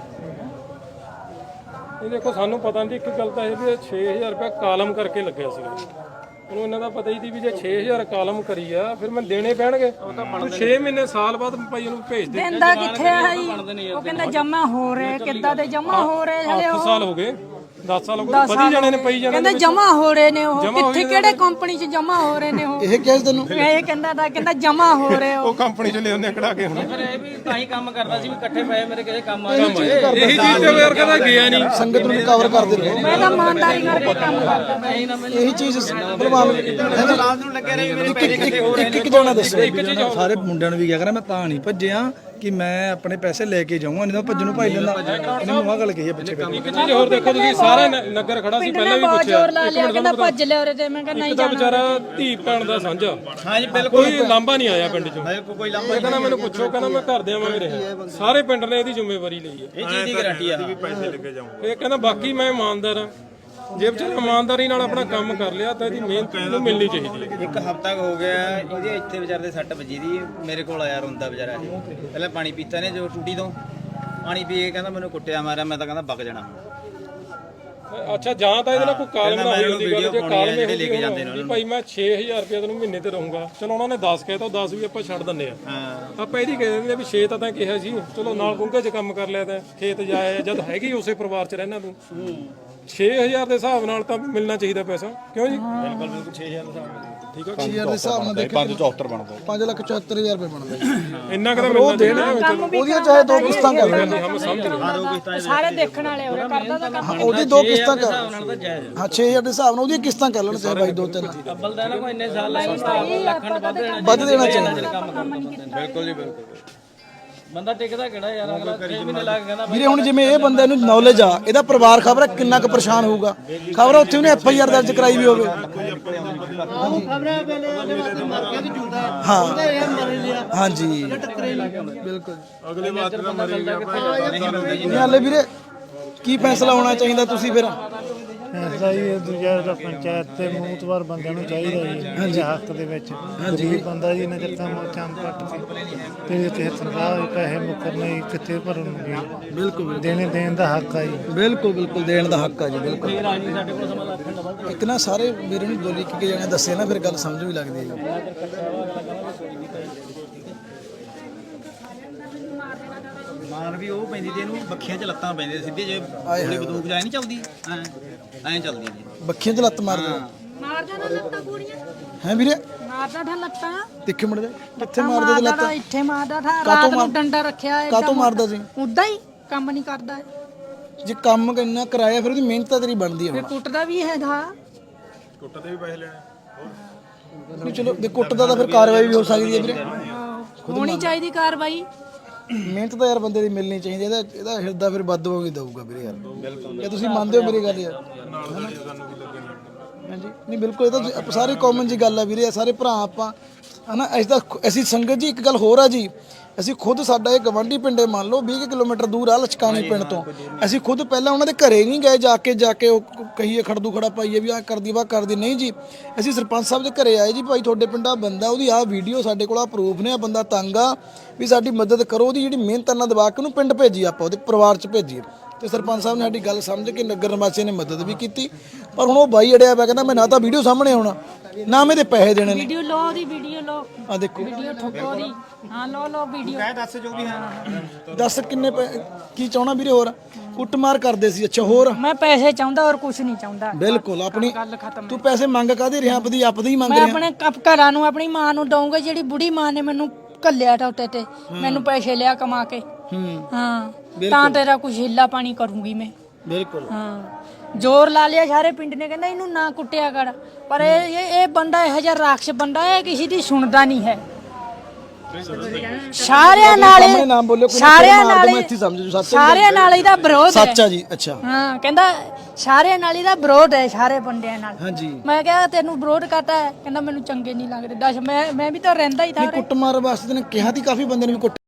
S5: ਇਹ ਦੇਖੋ ਸਾਨੂੰ ਪਤਾ ਨਹੀਂ, ਇੱਕ ਗੱਲ ਤਾਂ ਇਹ ਵੀ ਛੇ ਹਜ਼ਾਰ ਰੁਪਏ ਕਾਲਮ ਕਰਕੇ ਲੱਗਿਆ ਸੀਗਾ। ਉਹਨੂੰ ਇਹਨਾਂ ਦਾ ਪਤਾ ਹੀ ਸੀ ਵੀ ਜੇ ਛੇ ਹਜ਼ਾਰ ਕਾਲਮ ਕਰੀ ਆ ਫਿਰ ਮੈਂ ਦੇਣੇ ਪੈਣਗੇ। ਤੂੰ ਛੇ ਮਹੀਨੇ ਸਾਲ ਬਾਅਦ ਭਾਈ ਉਹਨੂੰ ਭੇਜ ਦੇ।
S2: ਦਿੰਦਾ ਕਿੱਥੇ ਆ ਜੀ? ਉਹ ਕਹਿੰਦਾ ਜਮਾ ਹੋ ਰਹੇ, ਕਿੱਦਾਂ ਦੇ ਜਮਾ ਹੋ ਰਹੇ ਹਲੇ
S5: ਅੱਠ
S2: ਉਹ।
S5: ਸਾਲ ਹੋ ਗਏ, ਦਸ ਸਾਲ ਹੋ ਗਏ, ਵਧੀ ਜਾਣੇ ਨੇ, ਪਈ ਜਾਣੇ
S2: ਕਹਿੰਦਾ ਜਮਾ ਹੋ ਰਹੇ ਨੇ ਉਹ, ਕਿੱਥੇ ਕਿਹੜੇ ਕੰਪਨੀ 'ਚ ਜਮਾ ਹੋ ਰਹੇ ਨੇ ਉਹ?
S4: ਇਹ ਕਿਹਾ ਸੀ ਤੈਨੂੰ?
S2: ਇਹ ਕਹਿੰਦਾ ਤਾਂ ਕਹਿੰਦਾ ਜਮਾ ਹੋ ਰਹੇ ਉਹ।
S5: ਕੰਪਨੀ ਚ ਲਿਆਉਂਦੇ ਕਢਾ ਕੇ ਹੁਣ।
S6: ਫਿਰ ਇਹ ਵੀ ਤਾਂ ਹੀ ਕੰਮ ਕਰਦਾ ਸੀ ਵੀ ਇਕੱਠੇ ਪਏ ਮੇਰੇ ਕਿਸੇ ਕੰਮ ਆਏ।
S5: ਇਹੀ ਚੀਜ਼ ਤੇ ਯਾਰ ਕਹਿੰਦਾ ਗਿਆ ਨਹੀਂ।
S4: ਸੰਗਤ ਨੂੰ ਕਵਰ ਕਰਦੇ ਰਹੋ,
S2: ਮੈਂ ਤਾਂ ਇਮਾਨਦਾਰੀ ਕਰਕੇ ਕੰਮ ਕਰਦਾ।
S4: ਇਹੀ ਚੀਜ਼ ਬਲਵਾਨ
S3: ਨੂੰ ਲੱਗਿਆ ਰਹੇ ਮੇਰੇ ਪੈਸੇ ਕਿੱਥੇ ਹੋ ਰਹੇ
S4: ਇੱਕ ਇੱਕ ਜਣਾ ਦੱਸੋ। ਸਾਰੇ ਮੁੰਡਿਆਂ ਨੂੰ ਵੀ ਕਿਹਾ ਕਰਾਂ, ਮੈਂ ਤਾਂ ਨਹੀਂ ਭੱਜਿਆ ਕਿ ਮੈਂ ਆਪਣੇ ਪੈਸੇ ਲੈ ਕੇ ਜਾਊਂਗਾ, ਨਹੀਂ ਤਾਂ ਭੱਜਣ ਨੂੰ ਭਾਈ ਲੈਂਦਾ। ਇਹਨੇ ਮੈਨੂੰ ਆਹ ਗੱਲ ਕਹੀ ਹੈ ਪਿੱਛੇ।
S5: ਇੱਕ ਚੀਜ਼ ਹੋਰ ਦੇਖੋ ਤੁਸੀਂ, ਸਾਰਾ ਨ- ਨਗਰ ਖੜਾ ਸੀ,
S2: ਪਿੰਡ
S5: ਪਹਿਲਾਂ
S2: ਨੇ
S5: ਵੀ
S2: ਬਹੁਤ
S5: ਪੁੱਛਿਆ।
S2: ਜ਼ੋਰ ਲਾ ਲਿਆ, ਕਹਿੰਦਾ ਭੱਜ ਲਿਆ ਉਰੇ ਤੇ। ਮੈਂ ਕਹਿੰਦਾ ਨਹੀਂ
S5: ਇੱਕ ਤਾਂ
S2: ਜਾਣਾ।
S5: ਵਿਚਾਰਾ ਧੀ ਭੈਣ ਦਾ ਸਾਂਝਾ,
S3: ਹਾਂਜੀ ਬਿਲਕੁਲ
S5: ਕੋਈ ਲਾਂਭਾ ਨਹੀਂ ਆਇਆ ਪਿੰਡ ਚੋਂ।
S3: ਕੋਈ
S5: ਇਹ ਕਹਿੰਦਾ ਮੈਨੂੰ ਪੁੱਛੋ, ਕਹਿੰਦਾ ਮੈਂ ਘਰ ਦੇ ਆਵਾਂਗੇ ਰਿਹਾ। ਸਾਰੇ ਪਿੰਡ ਨੇ ਇਹਦੀ ਜ਼ਿੰਮੇਵਾਰੀ ਲਈ ਹੈ।
S3: ਇਹ ਚੀਜ਼ ਦੀ ਗਾਰੰਟੀ ਆ।
S5: ਇਹ ਕਹਿੰਦਾ ਬਾਕੀ ਮੈਂ ਇਮਾਨਦਾਰ ਹਾਂ। ਜੇ ਵਿਚਾਰਾ ਇਮਾਨਦਾਰੀ ਨਾਲ ਆਪਣਾ ਕੰਮ ਕਰ ਲਿਆ ਤਾਂ ਇਹਦੀ ਮਿਹਨਤ ਨੂੰ ਮਿਲਣੀ ਚਾਹੀਦੀ ਹੈ।
S3: ਇੱਕ ਹਫ਼ਤਾ ਹੋ ਗਿਆ ਇਹਦੇ ਇੱਥੇ ਵਿਚਾਰੇ ਦੇ ਸੱਟ ਵੱਜੀ ਦੀ, ਮੇਰੇ ਕੋਲ ਆਇਆ ਰੋਂਦਾ ਵਿਚਾਰਾ ਇਹ। ਪਹਿਲਾਂ ਪਾਣੀ ਪੀਤਾ ਨੇ ਜੋ ਟੂਟੀ ਤੋਂ, ਪਾਣੀ ਪੀ ਕੇ ਕਹਿੰਦਾ ਮੈਨੂੰ ਕੁੱਟਿਆ ਮਾਰਿਆ, ਮੈਂ ਤਾਂ ਕਹਿੰਦਾ ਵਗ ਜਾਣਾ।
S5: ਅੱਛਾ ਜਾਂ ਤਾਂ ਇਹਦੇ ਨਾਲ ਕੋਈ ਕਾਲਮ ਨਾ ਹੋਈ ਹੁੰਦੀ ਗੱਲ, ਜੇ ਕਾਲਮ ਇਹ
S3: ਲੈ ਕੇ ਜਾਂਦੇ ਨੇ
S5: ਵੀ ਭਾਈ ਮੈਂ ਛੇ ਹਜ਼ਾਰ ਰੁਪਏ ਤੈਨੂੰ ਮਹੀਨੇ ਤੇ ਰਹੂੰਗਾ, ਚਲੋ ਉਹਨਾਂ ਨੇ ਦਸ ਕਹਿਤਾ, ਦਸ ਵੀ ਆਪਾਂ ਛੱਡ ਦਿੰਦੇ ਆ।
S3: ਹਾਂ
S5: ਆਪਾਂ ਇਹਦੀ ਕਹਿ ਦਿੰਦੇ ਵੀ ਛੇ ਤਾਂ ਤਾਂ ਕਿਹਾ ਸੀ, ਚਲੋ ਨਾਲ ਗੁੰਗੇ 'ਚ ਕੰਮ ਕਰ ਲਿਆ ਤਾਂ ਖੇਤ ਜਾਇਆ, ਜਦ ਹੈਗੀ ਉਸੇ ਪਰਿਵਾਰ 'ਚ ਰਹਿਣਾ ਤੂੰ। ਛੇ ਹਜ਼ਾਰ ਦੇ ਹਿਸਾਬ ਨਾਲ ਤਾਂ ਮਿਲਣਾ ਚਾਹੀਦਾ ਪੈਸਾ, ਕਿਉਂ ਜੀ?
S3: ਬਿਲਕੁਲ ਬਿਲਕੁਲ ਛੇ ਹਜ਼ਾਰ ਦਾ
S5: ਠੀਕ ਆ
S4: ਛੇ ਹਜ਼ਾਰ ਦੇ ਹਿਸਾਬ ਨਾਲ ਦੇਖੋ ਪੰਜ ਚੌਹੱਤਰ ਬਣਦਾ ਪੰਜ ਲੱਖ ਚੌਹੱਤਰ ਹਜ਼ਾਰ ਰੁਪਏ ਬਣਦਾ ਜੀ।
S5: ਇੰਨਾ ਕਦਾ ਮਿਲਣਾ ਦੇਣਾ
S4: ਉਹਦੀਆਂ ਚਾਹੇ ਦੋ ਕਿਸ਼ਤਾਂ ਕਰ ਲੈਣ
S5: ਹਮ ਸਮਝ ਰਹੇ
S6: ਸਾਰੇ ਦੇਖਣ ਵਾਲੇ ਹੋਰੇ ਕਰਦਾ ਤਾਂ ਕੰਮ
S4: ਉਹਦੀ ਦੋ ਕਿਸ਼ਤਾਂ ਕਰ ਹਾਂ ਛੇ ਹਜ਼ਾਰ ਦੇ ਹਿਸਾਬ ਨਾਲ ਉਹਦੀਆਂ ਕਿਸ਼ਤਾਂ ਕਰ ਲੈਣ ਚਾਹੇ ਬਾਈ ਦੋ ਤਿੰਨ
S6: ਲੱਖਾਂ ਵੱਧ
S4: ਵੱਧ ਦੇਣਾ ਚਾਹੀਦਾ
S3: ਬਿਲਕੁਲ ਜੀ ਬਿਲਕੁਲ
S6: ਬੰਦਾ ਟਿਕਦਾ ਕਿਹੜਾ ਯਾਰ ਅਗਲਾ ਛੇ ਮਹੀਨੇ ਲੱਗ ਕਹਿੰਦਾ
S4: ਵੀਰੇ ਹੁਣ ਜਿਵੇਂ ਇਹ ਬੰਦੇ ਨੂੰ ਨੌਲੇਜ ਆ ਇਹਦਾ ਪਰਿਵਾਰ ਖਬਰ ਹੈ ਕਿੰਨਾ ਕੁ ਪਰੇਸ਼ਾਨ ਹੋਊਗਾ ਖਬਰ ਉੱਥੇ ਉਹਨੇ ਐਫ ਆਈ ਆਰ ਦਰਜ ਕਰਾਈ ਵੀ ਹੋਵੇ ਹਾਂ ਹਾਂਜੀ ਬਿਲਕੁਲ
S7: ਅਗਲੇ ਬਾਤ ਦਾ ਮਰੇਗਾ
S4: ਹਾਲੇ ਵੀਰੇ ਕੀ ਫੈਸਲਾ ਹੋਣਾ ਚਾਹੀਦਾ ਤੁਸੀਂ ਫਿਰ
S8: ਫੈਸਲਾ ਜੀ ਦੂਜਾ ਦਾ ਪੰਚਾਇਤ ਤੇ ਮੂਤਵਾਰ ਬੰਦਿਆਂ ਨੂੰ ਚਾਹੀਦਾ ਜੀ ਹੱਕ ਦੇ ਵਿੱਚ ਗਰੀਬ ਬੰਦਾ ਜੀ ਨਜ਼ਰ ਤਾਂ ਚੰਦ ਪੱਟ ਸੀ ਤੇ ਤੇ ਸਰਕਾਰ ਦੇ ਪੈਸੇ ਮੁਕਰਨੇ ਕਿੱਥੇ ਭਰਨਗੇ ਬਿਲਕੁਲ ਦੇਣੇ ਦੇਣ ਦਾ ਹੱਕ ਆ ਜੀ
S4: ਬਿਲਕੁਲ ਬਿਲਕੁਲ ਦੇਣ ਦਾ ਹੱਕ ਆ ਜੀ ਬਿਲਕੁਲ ਇੱਕ ਨਾ ਸਾਰੇ ਵੀਰੇ ਨੂੰ ਬੋਲੀ ਕਿ ਜਾਣੇ ਦੱਸੇ ਨਾ ਫਿਰ ਗੱਲ ਸਮਝ ਵੀ ਲੱਗਦੀ ਹੈ ਜੀ
S3: ਮਾਰ ਵੀ ਉਹ ਪੈਂਦੀ ਤੇ ਇਹਨੂੰ ਬੱਖੀਆਂ 'ਚ ਲੱਤਾਂ ਪੈਂਦੀਆਂ ਸਿੱਧੇ ਜੇ ਗੋਲੀ ਬੰਦੂਕ ਜਾਏ ਨਹੀਂ ਚੱਲਦੀ ਐ ਐਂ ਚੱਲਦੀ ਜੀ
S4: ਬੱਖੀਆਂ 'ਚ ਲੱਤ ਮਾਰਦੇ
S6: ਮਾਰਦਾ ਨਾ ਲੱਤਾਂ ਪੂਰੀਆਂ
S4: ਹੈ ਵੀਰੇ
S6: ਮਾਰਦਾ ਠਾ ਲੱਤਾਂ
S4: ਦੇਖੇ ਮੁੰਡੇ ਕਿੱਥੇ ਮਾਰਦੇ ਤੇ ਲੱਤ
S6: ਮਾਰਦਾ ਇੱਥੇ ਮਾਰਦਾ ਠਾ ਰਾਤ ਨੂੰ ਡੰਡਾ ਰੱਖਿਆ ਹੈ
S4: ਕਾਤੋਂ ਮਾਰਦਾ ਸੀ
S6: ਉਦਾਂ ਹੀ ਕੰਮ ਨਹੀਂ ਕਰਦਾ
S4: ਜੇ ਕੰਮ ਇੰਨਾ ਕਰਾਇਆ ਫਿਰ ਉਹਦੀ ਮਿਹਨਤ ਤਾਂ ਤੇਰੀ ਬਣਦੀ
S6: ਫਿਰ
S4: ਹੈ
S6: ਕੁੱਟਦਾ ਵੀ ਹੈ ਧਾ
S7: ਕੁੱਟਦੇ ਵੀ ਪੈਸੇ ਲੈਣੇ
S4: ਨਹੀਂ ਚਲੋ ਜੇ ਕੁੱਟਦਾ ਤਾਂ ਫਿਰ ਕਾਰਵਾਈ ਵੀ ਹੋ ਸਕਦੀ ਹੈ ਵੀਰੇ
S6: ਹੋਣੀ ਚਾਹੀਦੀ ਕਾਰਵਾਈ
S4: ਮਿਹਨਤ ਤਾਂ ਯਾਰ ਬੰਦੇ ਦੀ ਮਿਲਣੀ ਚਾਹੀਦੀ ਇਹਦਾ ਇਹਦਾ ਹਿਰਦਾ ਫਿਰ ਵੱਧ ਵਾਂਗ ਹੀ ਦਊਗਾ ਵੀਰੇ ਯਾਰ ਬਿਲਕੁਲ ਇਹ ਤੁਸੀਂ ਮੰਨਦੇ ਹੋ ਮੇਰੀ ਗੱਲ ਯਾਰ ਹਾਂਜੀ ਨਹੀਂ ਬਿਲਕੁਲ ਇਹ ਤਾਂ ਤੁਸੀਂ- ਸਾਰੇ ਕਾਮਨ ਜੀ ਗੱਲ ਆ ਵੀਰੇ ਸਾਰੇ ਭਰਾ ਆਪਾਂ ਹਨਾ ਅਸੀਂ ਤਾਂ ਅਸੀਂ ਸੰਗਤ ਜੀ ਇੱਕ ਗੱਲ ਹੋਰ ਆ ਜੀ ਅਸੀਂ ਖੁਦ ਸਾਡਾ ਇਹ ਗਵਾਂਢੀ ਪਿੰਡੇ ਮੰਨ ਲਓ ਵੀਹ ਕਿਲੋਮੀਟਰ ਦੂਰ ਆ ਲਚਕਾਣੀ ਪਿੰਡ ਤੋਂ ਅਸੀਂ ਖੁਦ ਪਹਿਲਾਂ ਉਹਨਾਂ ਦੇ ਘਰੇ ਨਹੀਂ ਗਏ ਜਾ ਕੇ ਜਾ ਕੇ ਉਹ ਕਹੀਏ ਖੜਦੂ ਖੜਾ ਪਾਈਏ ਵੀ ਆ ਕਰਦੀ ਵਾ ਕਰਦੀ ਨਹੀਂ ਜੀ ਅਸੀਂ ਸਰਪੰਚ ਸਾਹਿਬ ਦੇ ਘਰੇ ਆਏ ਜੀ ਭਾਈ ਤੁਹਾਡੇ ਪਿੰਡਾ ਬੰਦਾ ਉਹਦੀ ਆਹ ਵੀਡੀਓ ਸਾਡੇ ਕੋਲ ਆ ਪ੍ਰੂਫ ਨੇ ਆ ਬੰਦਾ ਤੰਗ ਆ ਵੀ ਸਾਡੀ ਮਦਦ ਕਰੋ ਉਹਦੀ ਜਿਹੜੀ ਮਿਹਨਤ ਨਾਲ ਦਬਾ ਕੇ ਉਹਨੂੰ ਪਿੰਡ ਭੇਜੀ ਆਪਾਂ ਉਹਦੇ ਪਰਿਵਾਰ 'ਚ ਭੇਜੀਏ ਤੇ ਸਰਪੰਚ ਸਾਹਿਬ ਨੇ ਸਾਡੀ ਗੱਲ ਸਮਝ ਕੇ ਨਗਰ ਨਿਵਾਸੀਆਂ ਨੇ ਮਦਦ ਵੀ ਕੀਤੀ ਪਰ ਹੁਣ ਉਹ ਬਾਈ ਅੜਿਆ ਪਿਆ ਕਹਿੰਦਾ ਮੈਂ ਨਾ ਤਾਂ ਵੀਡੀਓ ਸਾਹਮਣੇ ਆਉਣਾ ਨਾ ਮੇਰੇ ਪੈਸੇ ਦੇਣੇ ਨੇ
S6: ਵੀਡੀਓ ਲੋ ਦੀ ਵੀਡੀਓ ਲੋ
S4: ਆ ਦੇਖੋ
S6: ਵੀਡੀਓ ਠੋਕੋ ਦੀ ਹਾਂ ਲੋ ਲੋ ਵੀਡੀਓ
S3: ਦੱਸ ਜੋ ਵੀ ਹਾਂ
S4: ਦੱਸ ਕਿੰਨੇ ਪੈ- ਕੀ ਚਾਹਣਾ ਵੀਰੇ ਹੋਰ ਕੁੱਟਮਾਰ ਕਰਦੇ ਸੀ ਅੱਛਾ ਹੋਰ
S6: ਮੈਂ ਪੈਸੇ ਚਾਹੁੰਦਾ ਔਰ ਕੁਝ ਨਹੀਂ ਚਾਹੁੰਦਾ
S4: ਬਿਲਕੁਲ ਆਪਣੀ
S6: ਗੱਲ ਖਤਮ
S4: ਤੂੰ ਪੈਸੇ ਮੰਗ ਕਾਦੇ ਰਿਹਾ ਆਪਦੀ ਆਪਦੀ ਹੀ ਮੰਗ
S6: ਮੈਂ
S4: ਰਿਹਾ
S6: ਆਪਣੇ ਕੱਪ ਘਰਾਂ ਨੂੰ ਆਪਣੀ ਮਾਂ ਨੂੰ ਦਊਂਗਾ ਜਿਹੜੀ ਬੁੜੀ ਮਾਂ ਨੇ ਮੈਨੂੰ ਘੱਲਿਆ ਟੋਟੇ ਤੇ ਮੈਨੂੰ ਪੈਸੇ ਲਿਆ ਕਮਾ ਕੇ
S4: ਹੂੰ
S6: ਹਾਂ ਤਾਂ ਤੇਰਾ ਕੁਝ ਹਿੱਲਾ ਪਾਣੀ ਕਰੂੰਗੀ ਮੈਂ
S4: ਬਿਲਕੁਲ
S6: ਹਾਂ ਜ਼ੋਰ ਲਾ ਲਿਆ ਸਾਰੇ ਪਿੰਡ ਨੇ ਕਹਿੰਦਾ ਇਹਨੂੰ ਨਾ ਕੁੱਟਿਆ ਕਰ ਪਰ ਇਹ ਇਹ ਇਹ ਬੰਦਾ ਇਹੋ ਜਿਹਾ ਰਾਖਸ਼ ਬੰਦਾ ਹੈ ਕਿਸੇ ਦੀ ਸੁਣਦਾ ਨਹੀਂ ਹੈ ਸਾਰਿਆਂ ਨਾਲ
S4: ਸਾਹਮਣੇ ਨਾਮ ਬੋਲਿਓ, ਕੋਈ ਨਾ
S6: ਸਾਰਿਆਂ
S4: ਮਾਰ
S6: ਨਾਲ
S4: ਦੂੰ, ਮੈਂ ਇੱਥੇ ਸਮਝ ਜੂ, ਸੱਚ ਹੈ।
S6: ਸਾਰਿਆਂ ਨਾਲ ਇਹਦਾ ਵਿਰੋਧ ਹੈ
S4: ਸੱਚ ਆ ਜੀ ਅੱਛਾ
S6: ਹਾਂ ਕਹਿੰਦਾ ਸਾਰਿਆਂ ਨਾਲ ਇਹਦਾ ਵਿਰੋਧ ਹੈ ਸਾਰੇ ਬੰਦਿਆਂ ਨਾਲ
S4: ਹਾਂਜੀ
S6: ਮੈਂ ਕਿਹਾ ਤੈਨੂੰ ਵਿਰੋਧ ਕਰਤਾ ਹੈ ਕਹਿੰਦਾ ਮੈਨੂੰ ਚੰਗੇ ਨਹੀਂ ਲੱਗਦੇ ਦੱਸ ਮੈਂ ਮੈਂ ਵੀ ਤਾਂ ਰਹਿੰਦਾ ਹੀ ਥਾ
S4: ਕੁੱਟਮਾਰ ਵਾਸਤੇ ਨੇ ਕਿਹਾ ਤੀ ਕਾਫੀ ਬੰਦੇ ਨੇ ਵੀ ਕੁੱਟ